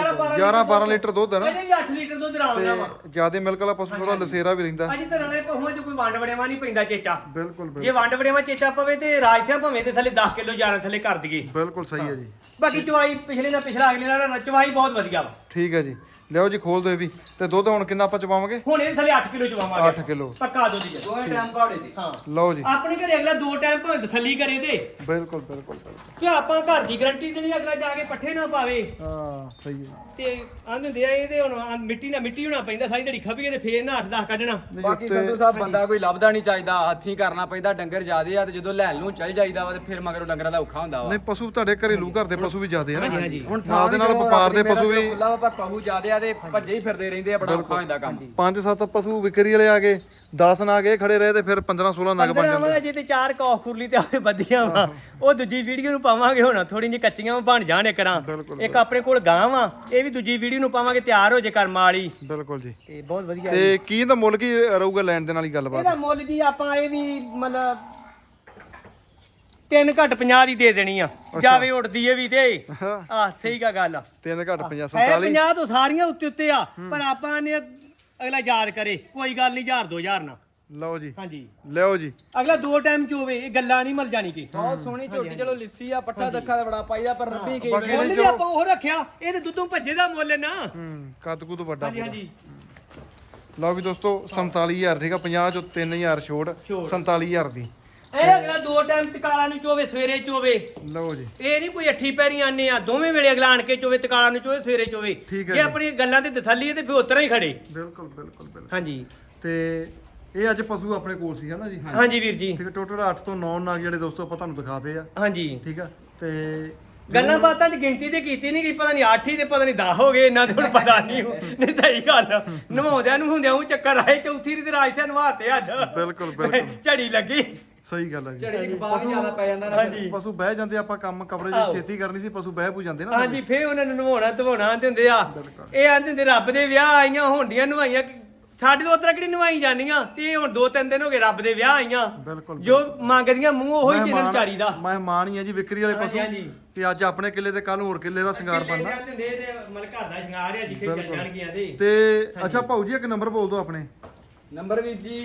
11-12 ਲੀਟਰ ਦੁੱਧ ਹੈ ਨਾ ਅਜੇ ਵੀ 8 ਲੀਟਰ ਦੁੱਧ ਰਾਉਂਦਾ ਵਾ ਜਿਆਦੇ ਮਿਲਕ ਵਾਲਾ ਪਸ਼ੂ ਥੋੜਾ ਲਸੇਰਾ ਵੀ ਰਹਿੰਦਾ ਅਜੇ ਧਰਨ ਵਾਲੇ ਪਹੁੰਚ ਕੋਈ ਵੰਡ ਵੜੇਵਾ ਨਹੀਂ ਪੈਂਦਾ ਚੇਚਾ ਬਿਲਕੁਲ ਜੇ ਵੰਡ ਵੜੇਵਾ ਚੇਚਾ ਪਵੇ ਤੇ ਰਾਜ ਸਿਆਂ ਭਾਵੇਂ ਤੇ ਥੱਲੇ 10 ਕਿਲੋ 11 ਥੱਲੇ ਕਰ ਦਈਏ ਬਿਲਕੁਲ ਸਹੀ ਹੈ ਜੀ ਬਾਕੀ ਚਵਾਈ ਪਿਛਲੇ ਨਾਲ ਪਿਛਲਾ ਅਗਲੇ ਨਾਲ ਚਵਾਈ ਬਹੁਤ ਵਧੀਆ ਵਾ ਠੀਕ ਹੈ ਜੀ ਲਿਓ ਜੀ ਖੋਲ ਦੋ ਇਹ ਵੀ ਤੇ ਦੁੱਧ ਹੁਣ ਕਿੰਨਾ ਆਪਾਂ ਚਵਾਵਾਂਗੇ ਹੁਣ ਇਹ ਥੱਲੇ 8 ਕਿਲੋ ਚਵਾਵਾਂਗੇ 8 ਕਿਲੋ ਪੱਕਾ ਦੁੱਧ ਜੀ ਦੋਵੇਂ ਟਾਈਮ ਪਹਾੜੇ ਦੇ ਹਾਂ ਲਓ ਜੀ ਆਪਣੇ ਘਰੇ ਅਗਲਾ 2 ਟਾਈਮ ਭਾਵੇਂ ਤਸੱਲੀ ਕਰੇ ਤੇ ਬਿਲਕੁਲ ਕਿ ਆਪਾਂ ਘਰ ਦੀ ਗਾਰੰਟੀ ਦੇਣੀ ਅਗਲਾ ਜਾ ਕੇ ਪੱਠੇ ਨਾ ਪਾਵੇ ਹਾਂ ਸਹੀ ਹੈ ਤੇ ਆਂਦੇ ਹੁੰਦੇ ਆ ਇਹਦੇ ਹੁਣ ਮਿੱਟੀ ਹੋਣਾ ਪੈਂਦਾ ਸਾਰੀ ਦਿਹਾੜੀ ਖਪੀਏ ਤੇ ਫੇਰ ਨਾ 8-10 ਕੱਢਣਾ ਬਾਕੀ ਸੰਧੂ ਸਾਹਿਬ ਬੰਦਾ ਕੋਈ ਲੱਭਦਾ ਨਹੀਂ ਚਾਹੀਦਾ ਹੱਥੀਂ ਕਰਨਾ ਪੈਂਦਾ ਡੰਗਰ ਜ਼ਿਆਦੇ ਆ ਤੇ ਜਦੋਂ ਲੈਣ ਨੂੰ ਚੱਲ ਜਾਈਦਾ ਵਾ ਤੇ ਫਿਰ ਮਗਰੋਂ ਡੰਗਰਾਂ ਦਾ ਔਖਾ ਹੁੰਦਾ ਵਾ ਨਹੀਂ ਪਸ਼ੂ ਤੁਹਾਡੇ ਘਰੇਲੂ ਘਰ ਦੇ ਪਸ਼ੂ ਵੀ ਜ਼ਿਆਦੇ ਆ ਨਾ ਹਾਂਜੀ ਹੁਣ ਨਾਲ ਦੇ ਨਾਲ ਵਪਾਰ ਦੇ ਪਸ਼ੂ ਵੀ ਖੁੱਲਾ ਵਾ ਪਰ ਪਹੂ ਜ਼ਿਆਦੇ ਆ ਤੇ ਭੱਜੇ ਹੀ ਫਿਰਦੇ ਰਹਿੰਦੇ ਆ ਬੜਾ ਔਖਾ ਹੁੰਦਾ ਕੰਮ 5-7 ਪਸ਼ੂ ਵਿਕਰੀ ਵਾਲੇ ਆ ਗਏ 10 ਨਾ ਗਏ ਖੜੇ ਰਹੇ ਤੇ ਫਿਰ 15-16 ਨਗ ਬਣ ਜਾਂਦੇ ਜੇ ਤੇ 4 ਕੌਖ ਖੁਰਲੀ ਤੇ ਆਵੇ ਵਧੀਆਂ ਵਾ ਉਹ ਦੂਜੀ ਵੀਡੀਓ ਨੂੰ ਪਾਵਾਂਗੇ ਹੁਣ ਥੋੜੀ ਜਿਹੀ ਕੱਚੀਆਂ ਬਣ ਜਾਣ ਕਰਾਂ ਇੱਕ ਆਪਣੇ ਕੋਲ ਗਾਂ ਵਾ ਇਹ ਵੀ ਦੂਜੀ ਵੀਡੀਓ ਨੂੰ ਪਾਵਾਂਗੇ ਤਿਆਰ ਹੋ ਜੇ ਕਰਮ ਵਾਲੀ ਬਿਲਕੁਲ ਜੀ ਤੇ ਬਹੁਤ ਵਧੀਆ ਤੇ ਕੀ ਇਹਦਾ ਮੁੱਲ ਕੀ ਰਹੂਗਾ ਲੈਣ ਦੇ ਨਾਲ ਹੀ ਗੱਲਬਾਤ ਇਹਦਾ ਮੁੱਲ ਜੀ ਆਪਾਂ ਇਹ ਵੀ ਮਤਲਬ 3 ਘੱਟ 50 ਦੀ ਦੇ ਦੇਣੀ ਆ ਜਾਵੇ ਉੱਡਦੀ ਏ ਵੀ ਤੇ ਆਹ ਸਹੀ ਕਾ ਗੱਲ ਆ 3 ਘੱਟ 50 ਹੈ 47 50 ਤੋਂ ਸਾਰੀਆਂ ਉੱਤੇ ਆ ਪਰ ਆਪਾਂ ਨੇ ਅਗਲਾ ਯਾਦ ਕਰੇ ਕੋਈ ਗੱਲ ਨਹੀਂ 1000-2000 ਨਾ ਲਓ ਜੀ ਹਾਂਜੀ ਲਿਓ ਜੀ ਅਗਲਾ 2 ਟਾਈਮ ਚੋਵੇ ਇਹ ਗੱਲਾਂ ਨਹੀਂ ਮਲ ਜਾਣੀ ਕਿ ਬਹੁਤ ਸੋਹਣੀ ਝੋਟੀ ਚਲੋ ਲਿੱਸੀ ਆ ਪੱਠਾ ਦੱਖਾ ਦਾ ਬੜਾ ਪਾਈਦਾ ਪਰ ਰੱਬੀ ਕੀ ਬਾਕੀ ਮੁੱਲ ਵੀ ਆਪਾਂ ਉਹ ਰੱਖਿਆ ਇਹਦੇ ਦੁੱਧੋਂ ਭੱਜੇ ਦਾ ਮੁੱਲ ਹੈ ਨਾ ਕੱਦ ਕੁ ਤੋਂ ਵੱਡਾ ਹਾਂਜੀ ਹਾਂਜੀ ਲਓ ਵੀ ਦੋਸਤੋ 47000 ਠੀਕ ਆ 50 ਚੋਂ 3000 ਛੋੜ 47000 ਦੀ ਇਹ ਅਗਲਾ 2 ਟਾਈਮ ਤਕਾਲਾ ਨੂੰ ਚੋਵੇ ਸਵੇਰੇ ਚੋਵੇ ਲਓ ਜੀ ਇਹ ਨਹੀਂ ਕੋਈ ਅੱਠੀ ਪੈਰੀ ਆਨੇ ਆ ਦੋਵੇਂ ਵੇਲੇ ਅਗਲਾ ਆਣ ਕੇ ਚੋਵੇ ਤਕਾਲਾ ਨੂੰ ਚੋਵੇ ਸਵੇਰੇ ਚੋਵੇ ਠੀਕ ਹੈ ਜੇ ਆਪਣੀ ਗੱਲਾਂ ਤੇ ਤਸੱਲੀ ਹੈ ਤੇ ਫਿਰ ਉਤਰਾ ਹੀ ਖੜੇ ਬਿਲਕੁਲ ਹਾਂਜੀ ਤੇ ਇਹ ਅੱਜ ਪਸ਼ੂ ਆਪਣੇ ਕੋਲ ਸੀ ਹਨਾ ਜੀ ਹਾਂਜੀ ਵੀਰ ਜੀ ਠੀਕ ਹੈ ਟੋਟਲ 8 ਤੋਂ 9 ਨਾਗ ਜਿਹੜੇ ਦੋਸਤੋ ਆਪਾਂ ਤੁਹਾਨੂੰ ਦਿਖਾਤੇ ਆ ਹਾਂਜੀ ਠੀਕ ਆ ਤੇ ਗੱਲਾਂ ਬਾਤਾਂ ਦੀ ਗਿਣਤੀ ਤੇ ਕੀਤੀ ਨਹੀਂ ਕਿ ਪਤਾ ਨਹੀਂ 8 ਹੀ ਤੇ ਪਤਾ ਨਹੀਂ 10 ਹੋ ਗਏ ਇਹਨਾਂ ਤੇ ਹੁਣ ਪਤਾ ਨਹੀਂ ਨਹੀਂ ਸਹੀ ਗੱਲ ਨਵਾਉਂਦਿਆਂ ਨੂੰ ਹੁੰਦਿਆਂ ਉਹ ਚੱਕਰ ਆਏ ਚੌਥੀ ਦੀ ਰਾਜ ਤੇ ਨਵਾਤੇ ਅੱਜ ਬਿਲਕੁਲ ਝੜੀ ਲੱਗੀ ਸਹੀ ਗੱਲ ਹੈ ਜੀ ਝੜੇ ਇੱਕ ਬਾਹਰ ਜ਼ਿਆਦਾ ਪੈ ਜਾਂਦਾ ਨਾ ਹਾਂਜੀ ਪਸ਼ੂ ਬਹਿ ਜਾਂਦੇ ਆਪਾਂ ਕੰਮ ਕਵਰੇਜ ਛੇਤੀ ਕਰਨੀ ਸੀ ਪਸ਼ੂ ਬਹਿ ਪੂ ਜਾਂਦੇ ਨਾ ਹਾਂਜੀ ਫੇਰ ਉਹਨਾਂ ਨੂੰ ਨਵਾਉਣਾ ਧਵਾਉਣਾ ਆਂਦੇ ਹੁੰਦੇ ਆ ਇਹ ਆਂਦੇ ਹੁੰਦੇ ਰੱਬ ਦੇ ਵਿਆਹ ਆਈਆਂ ਹੁੰਦੀਆਂ ਨਵਾਈਆਂ ਸਾਡੇ ਤੋਂ ਉਤਰਾ ਕਿਹੜੀ ਨਵਾਈ ਜਾਂਦੀਆਂ ਤੇ ਇਹ ਹੁਣ 2-3 ਦਿਨ ਹੋ ਗਏ ਰੱਬ ਦੇ ਵਿਆਹ ਆਈਆਂ ਬਿਲਕੁਲ ਜੋ ਮੰਗਦੀਆਂ ਮੂੰਹ ਉਹੀ ਜਿਹਨਾਂ ਵਿਚਾਰੀ ਦਾ ਮਹਿਮਾਨ ਹੀ ਆ ਜੀ ਵਿਕਰੀ ਵਾਲੇ ਪਸ਼ੂ ਹਾਂਜੀ ਤੇ ਅੱਜ ਆਪਣੇ ਕਿੱਲੇ ਤੇ ਕੱਲ ਹੋਰ ਕਿੱਲੇ ਦਾ ਸ਼ਿੰਗਾਰ ਬਣਨਾ ਹੁੰਦੇ ਤੇ ਮਲ ਘਰ ਦਾ ਸ਼ਿੰਗਾਰ ਆ ਜਿੱਥੇ ਚੱਲ ਜਾਣਗੀਆਂ ਤੇ ਤੇ ਅੱਛਾ ਭਾਊ ਜੀ ਇੱਕ ਨੰਬਰ ਬੋਲ ਦਿਓ ਆਪਣੇ ਨੰਬਰ ਵੀਰ ਜੀ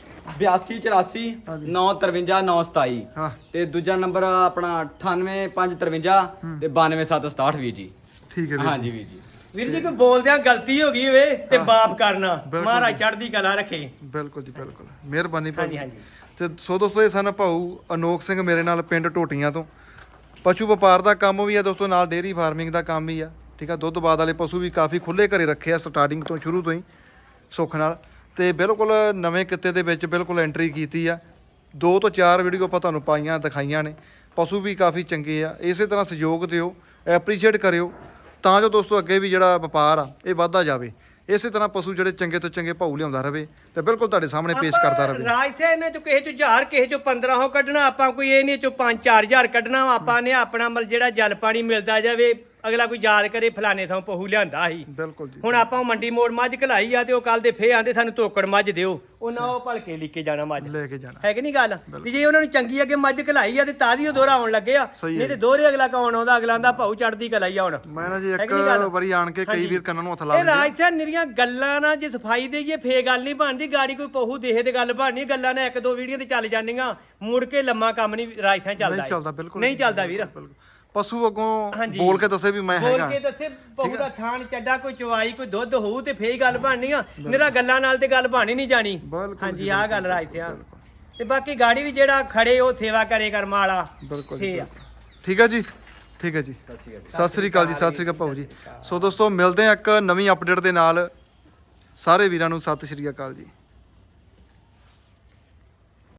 8284 953 927 ਹਾਂ ਤੇ ਦੂਜਾ ਨੰਬਰ ਆਪਣਾ 98553 ਤੇ 92767 ਵੀਰ ਜੀ ਠੀਕ ਹੈ ਵੀਰ ਹਾਂਜੀ ਵੀਰ ਜੀ ਵੀਰ ਜੀ ਕੋਈ ਬੋਲਦਿਆਂ ਗਲਤੀ ਹੋ ਗਈ ਹੋਵੇ ਤੇ ਮਾਫ ਕਰਨਾ ਮਹਾਰਾਜ ਚੜ੍ਹਦੀ ਕਲਾ ਰੱਖੇ ਬਿਲਕੁਲ ਜੀ ਬਿਲਕੁਲ ਮਿਹਰਬਾਨੀ ਭਾਜੀ ਹਾਂਜੀ ਤੇ ਸੋ ਦੋਸਤੋ ਇਹ ਸਨ ਭਾਊ ਅਨੋਖ ਸਿੰਘ ਮੇਰੇ ਨਾਲ ਪਿੰਡ ਟੋਟੀਆਂ ਤੋਂ ਪਸ਼ੂ ਵਪਾਰ ਦਾ ਕੰਮ ਵੀ ਆ ਦੋਸਤੋ ਨਾਲ ਡੇਅਰੀ ਫਾਰਮਿੰਗ ਦਾ ਕੰਮ ਵੀ ਆ ਠੀਕ ਆ ਦੁੱਧ ਬਾਦ ਵਾਲੇ ਪਸ਼ੂ ਵੀ ਕਾਫੀ ਖੁੱਲੇ ਘਰੇ ਰੱਖੇ ਆ ਸਟਾਰਟਿੰਗ ਤੋਂ ਸ਼ੁਰੂ ਤੋਂ ਹੀ ਸੁੱਖ ਨਾਲ ਤੇ ਬਿਲਕੁਲ ਨਵੇਂ ਕਿੱਤੇ ਦੇ ਵਿੱਚ ਬਿਲਕੁਲ ਐਂਟਰੀ ਕੀਤੀ ਆ 2 ਤੋਂ 4 ਵੀਡੀਓ ਆਪਾਂ ਤੁਹਾਨੂੰ ਪਾਈਆਂ ਦਿਖਾਈਆਂ ਨੇ ਪਸ਼ੂ ਵੀ ਕਾਫੀ ਚੰਗੇ ਆ ਇਸੇ ਤਰ੍ਹਾਂ ਸਹਿਯੋਗ ਦਿਓ ਐਪਰੀਸ਼ੀਏਟ ਕਰਿਓ ਤਾਂ ਜੋ ਦੋਸਤੋ ਅੱਗੇ ਵੀ ਜਿਹੜਾ ਵਪਾਰ ਆ ਇਹ ਵਧਦਾ ਜਾਵੇ ਇਸੇ ਤਰ੍ਹਾਂ ਪਸ਼ੂ ਜਿਹੜੇ ਚੰਗੇ ਤੋਂ ਚੰਗੇ ਭਾਊ ਲਿਆਉਂਦਾ ਰਵੇ ਤੇ ਬਿਲਕੁਲ ਤੁਹਾਡੇ ਸਾਹਮਣੇ ਪੇਸ਼ ਕਰਦਾ ਰਵੇ ਰਾਜ ਸੇ ਇਹਨਾਂ ਚੋਂ ਕਿਸੇ ਚੋਂ 1000 ਕਿਸੇ ਚੋਂ 1500 ਕੱਢਣਾ ਆਪਾਂ ਕੋਈ ਇਹ ਨਹੀਂ ਚੋਂ 5-4000 ਕੱਢਣਾ ਆਪਾਂ ਨੇ ਆਪਣਾ ਮਲ ਜਿਹੜਾ ਜਲ ਪਾਣੀ ਮਿਲਦਾ ਜਾਵੇ ਅਗਲਾ ਕੋਈ ਯਾਦ ਕਰੇ ਫਲਾਣੇ ਥਾਂ ਪਹੂ ਲਿਆਂਦਾ ਸੀ ਬਿਲਕੁਲ ਜੀ ਹੁਣ ਆਪਾਂ ਮੰਡੀ ਮੋੜ ਮੱਝ ਘਲਾਈ ਆ ਤੇ ਉਹ ਕੱਲ ਦੇ ਫੇਰ ਆਂਦੇ ਸਾਨੂੰ ਤੋਕੜ ਮੱਝ ਦਿਓ ਉਹਨਾਂ ਉਹ ਭਲਕੇ ਲੈ ਕੇ ਜਾਣਾ ਮੱਝ ਲੈ ਕੇ ਜਾਣਾ ਹੈ ਕਿ ਨਹੀਂ ਗੱਲ ਵੀ ਜੇ ਉਹਨਾਂ ਨੂੰ ਚੰਗੀ ਅੱਗੇ ਮੱਝ ਘਲਾਈ ਆ ਤੇ ਤਾਂ ਦੀ ਉਹ ਦੋਹਰਾ ਆਉਣ ਲੱਗੇ ਆ ਸਹੀ ਨਹੀਂ ਤੇ ਦੋਹਰੇ ਅਗਲਾ ਕੌਣ ਆਉਂਦਾ ਅਗਲਾ ਦਾ ਭਾਊ ਚੜਦੀ ਘਲਾਈ ਆ ਹੁਣ ਮੈਂ ਨਾ ਜੀ ਹੈ ਇੱਕ ਕਿ ਨਹੀਂ ਗੱਲ? ਵਾਰੀ ਆਣ ਕੇ ਕਈ ਵੀਰ ਕੰਨਾਂ ਨੂੰ ਹੱਥ ਲਾ ਇਹ ਦਿੰਦੇ ਰਾਜ ਸਾਹਿਬ ਨਿਰੀਆਂ ਗੱਲਾਂ ਨਾਲ ਜੇ ਸਫਾਈ ਦੇਈਏ ਫੇ ਗੱਲ ਨਹੀਂ ਬਣਦੀ ਗਾੜੀ ਕੋਈ ਪਹੂ ਦੇਹੇ ਤੇ ਗੱਲ ਬਣਨੀ ਗੱਲਾਂ ਨੇ 1-2 ਵੀਡੀਓ ਤੇ ਚੱਲ ਜਾਂਦੀਆਂ ਮੁੜ ਕੇ ਲੰਮਾ ਕੰਮ ਨਹੀਂ ਰਾਜ ਸਾਹਿਬ ਚੱਲਦਾ ਨਹੀਂ ਚੱਲਦਾ ਬਿਲਕੁਲ ਨਹੀਂ ਚੱਲਦਾ ਵੀਰ ਪਸ਼ੂ ਅੱਗੋਂ ਹਾਂਜੀ। ਬੋਲ ਕੇ ਦੱਸੇ ਵੀ ਮੈਂ ਬੋਲ ਹੈਗਾ ਕੇ ਦੱਸੇ ਪਹੂ ਦਾ ਥਾਣ ਚੱਡਾ ਕੋਈ ਚਵਾਈ ਕੋਈ ਦੁੱਧ ਹੋਊ ਤੇ ਫੇਰ ਹੀ ਗੱਲ ਬਣਨੀ ਆ ਮੇਰਾ ਗੱਲਾਂ ਨਾਲ ਤੇ ਗੱਲ ਬਣੀ ਨਹੀਂ ਜਾਣੀ ਬਿਲਕੁਲ ਹਾਂਜੀ ਜੀ, ਆਹ ਗੱਲ ਰਾਜ ਸਿਆ ਤੇ ਬਾਕੀ ਗਾੜੀ ਵੀ ਜਿਹੜਾ ਖੜੇ ਉਹ ਸੇਵਾ ਕਰੇ ਕਰਮ ਵਾਲਾ ਬਿਲਕੁਲ ਫੇਰ ਆ। ਠੀਕ ਹੈ ਜੀ, ਠੀਕ ਹੈ ਜੀ, ਸਤਿ ਸ੍ਰੀ ਅਕਾਲ ਜੀ, ਸਤਿ ਸ੍ਰੀ ਅਕਾਲ ਭਾਊ ਜੀ। ਸੋ ਦੋਸਤੋ ਮਿਲਦੇ ਆ ਇੱਕ ਨਵੀਂ ਅਪਡੇਟ ਦੇ ਨਾਲ, ਸਾਰੇ ਵੀਰਾਂ ਨੂੰ ਸਤਿ ਸ੍ਰੀ ਅਕਾਲ ਜੀ।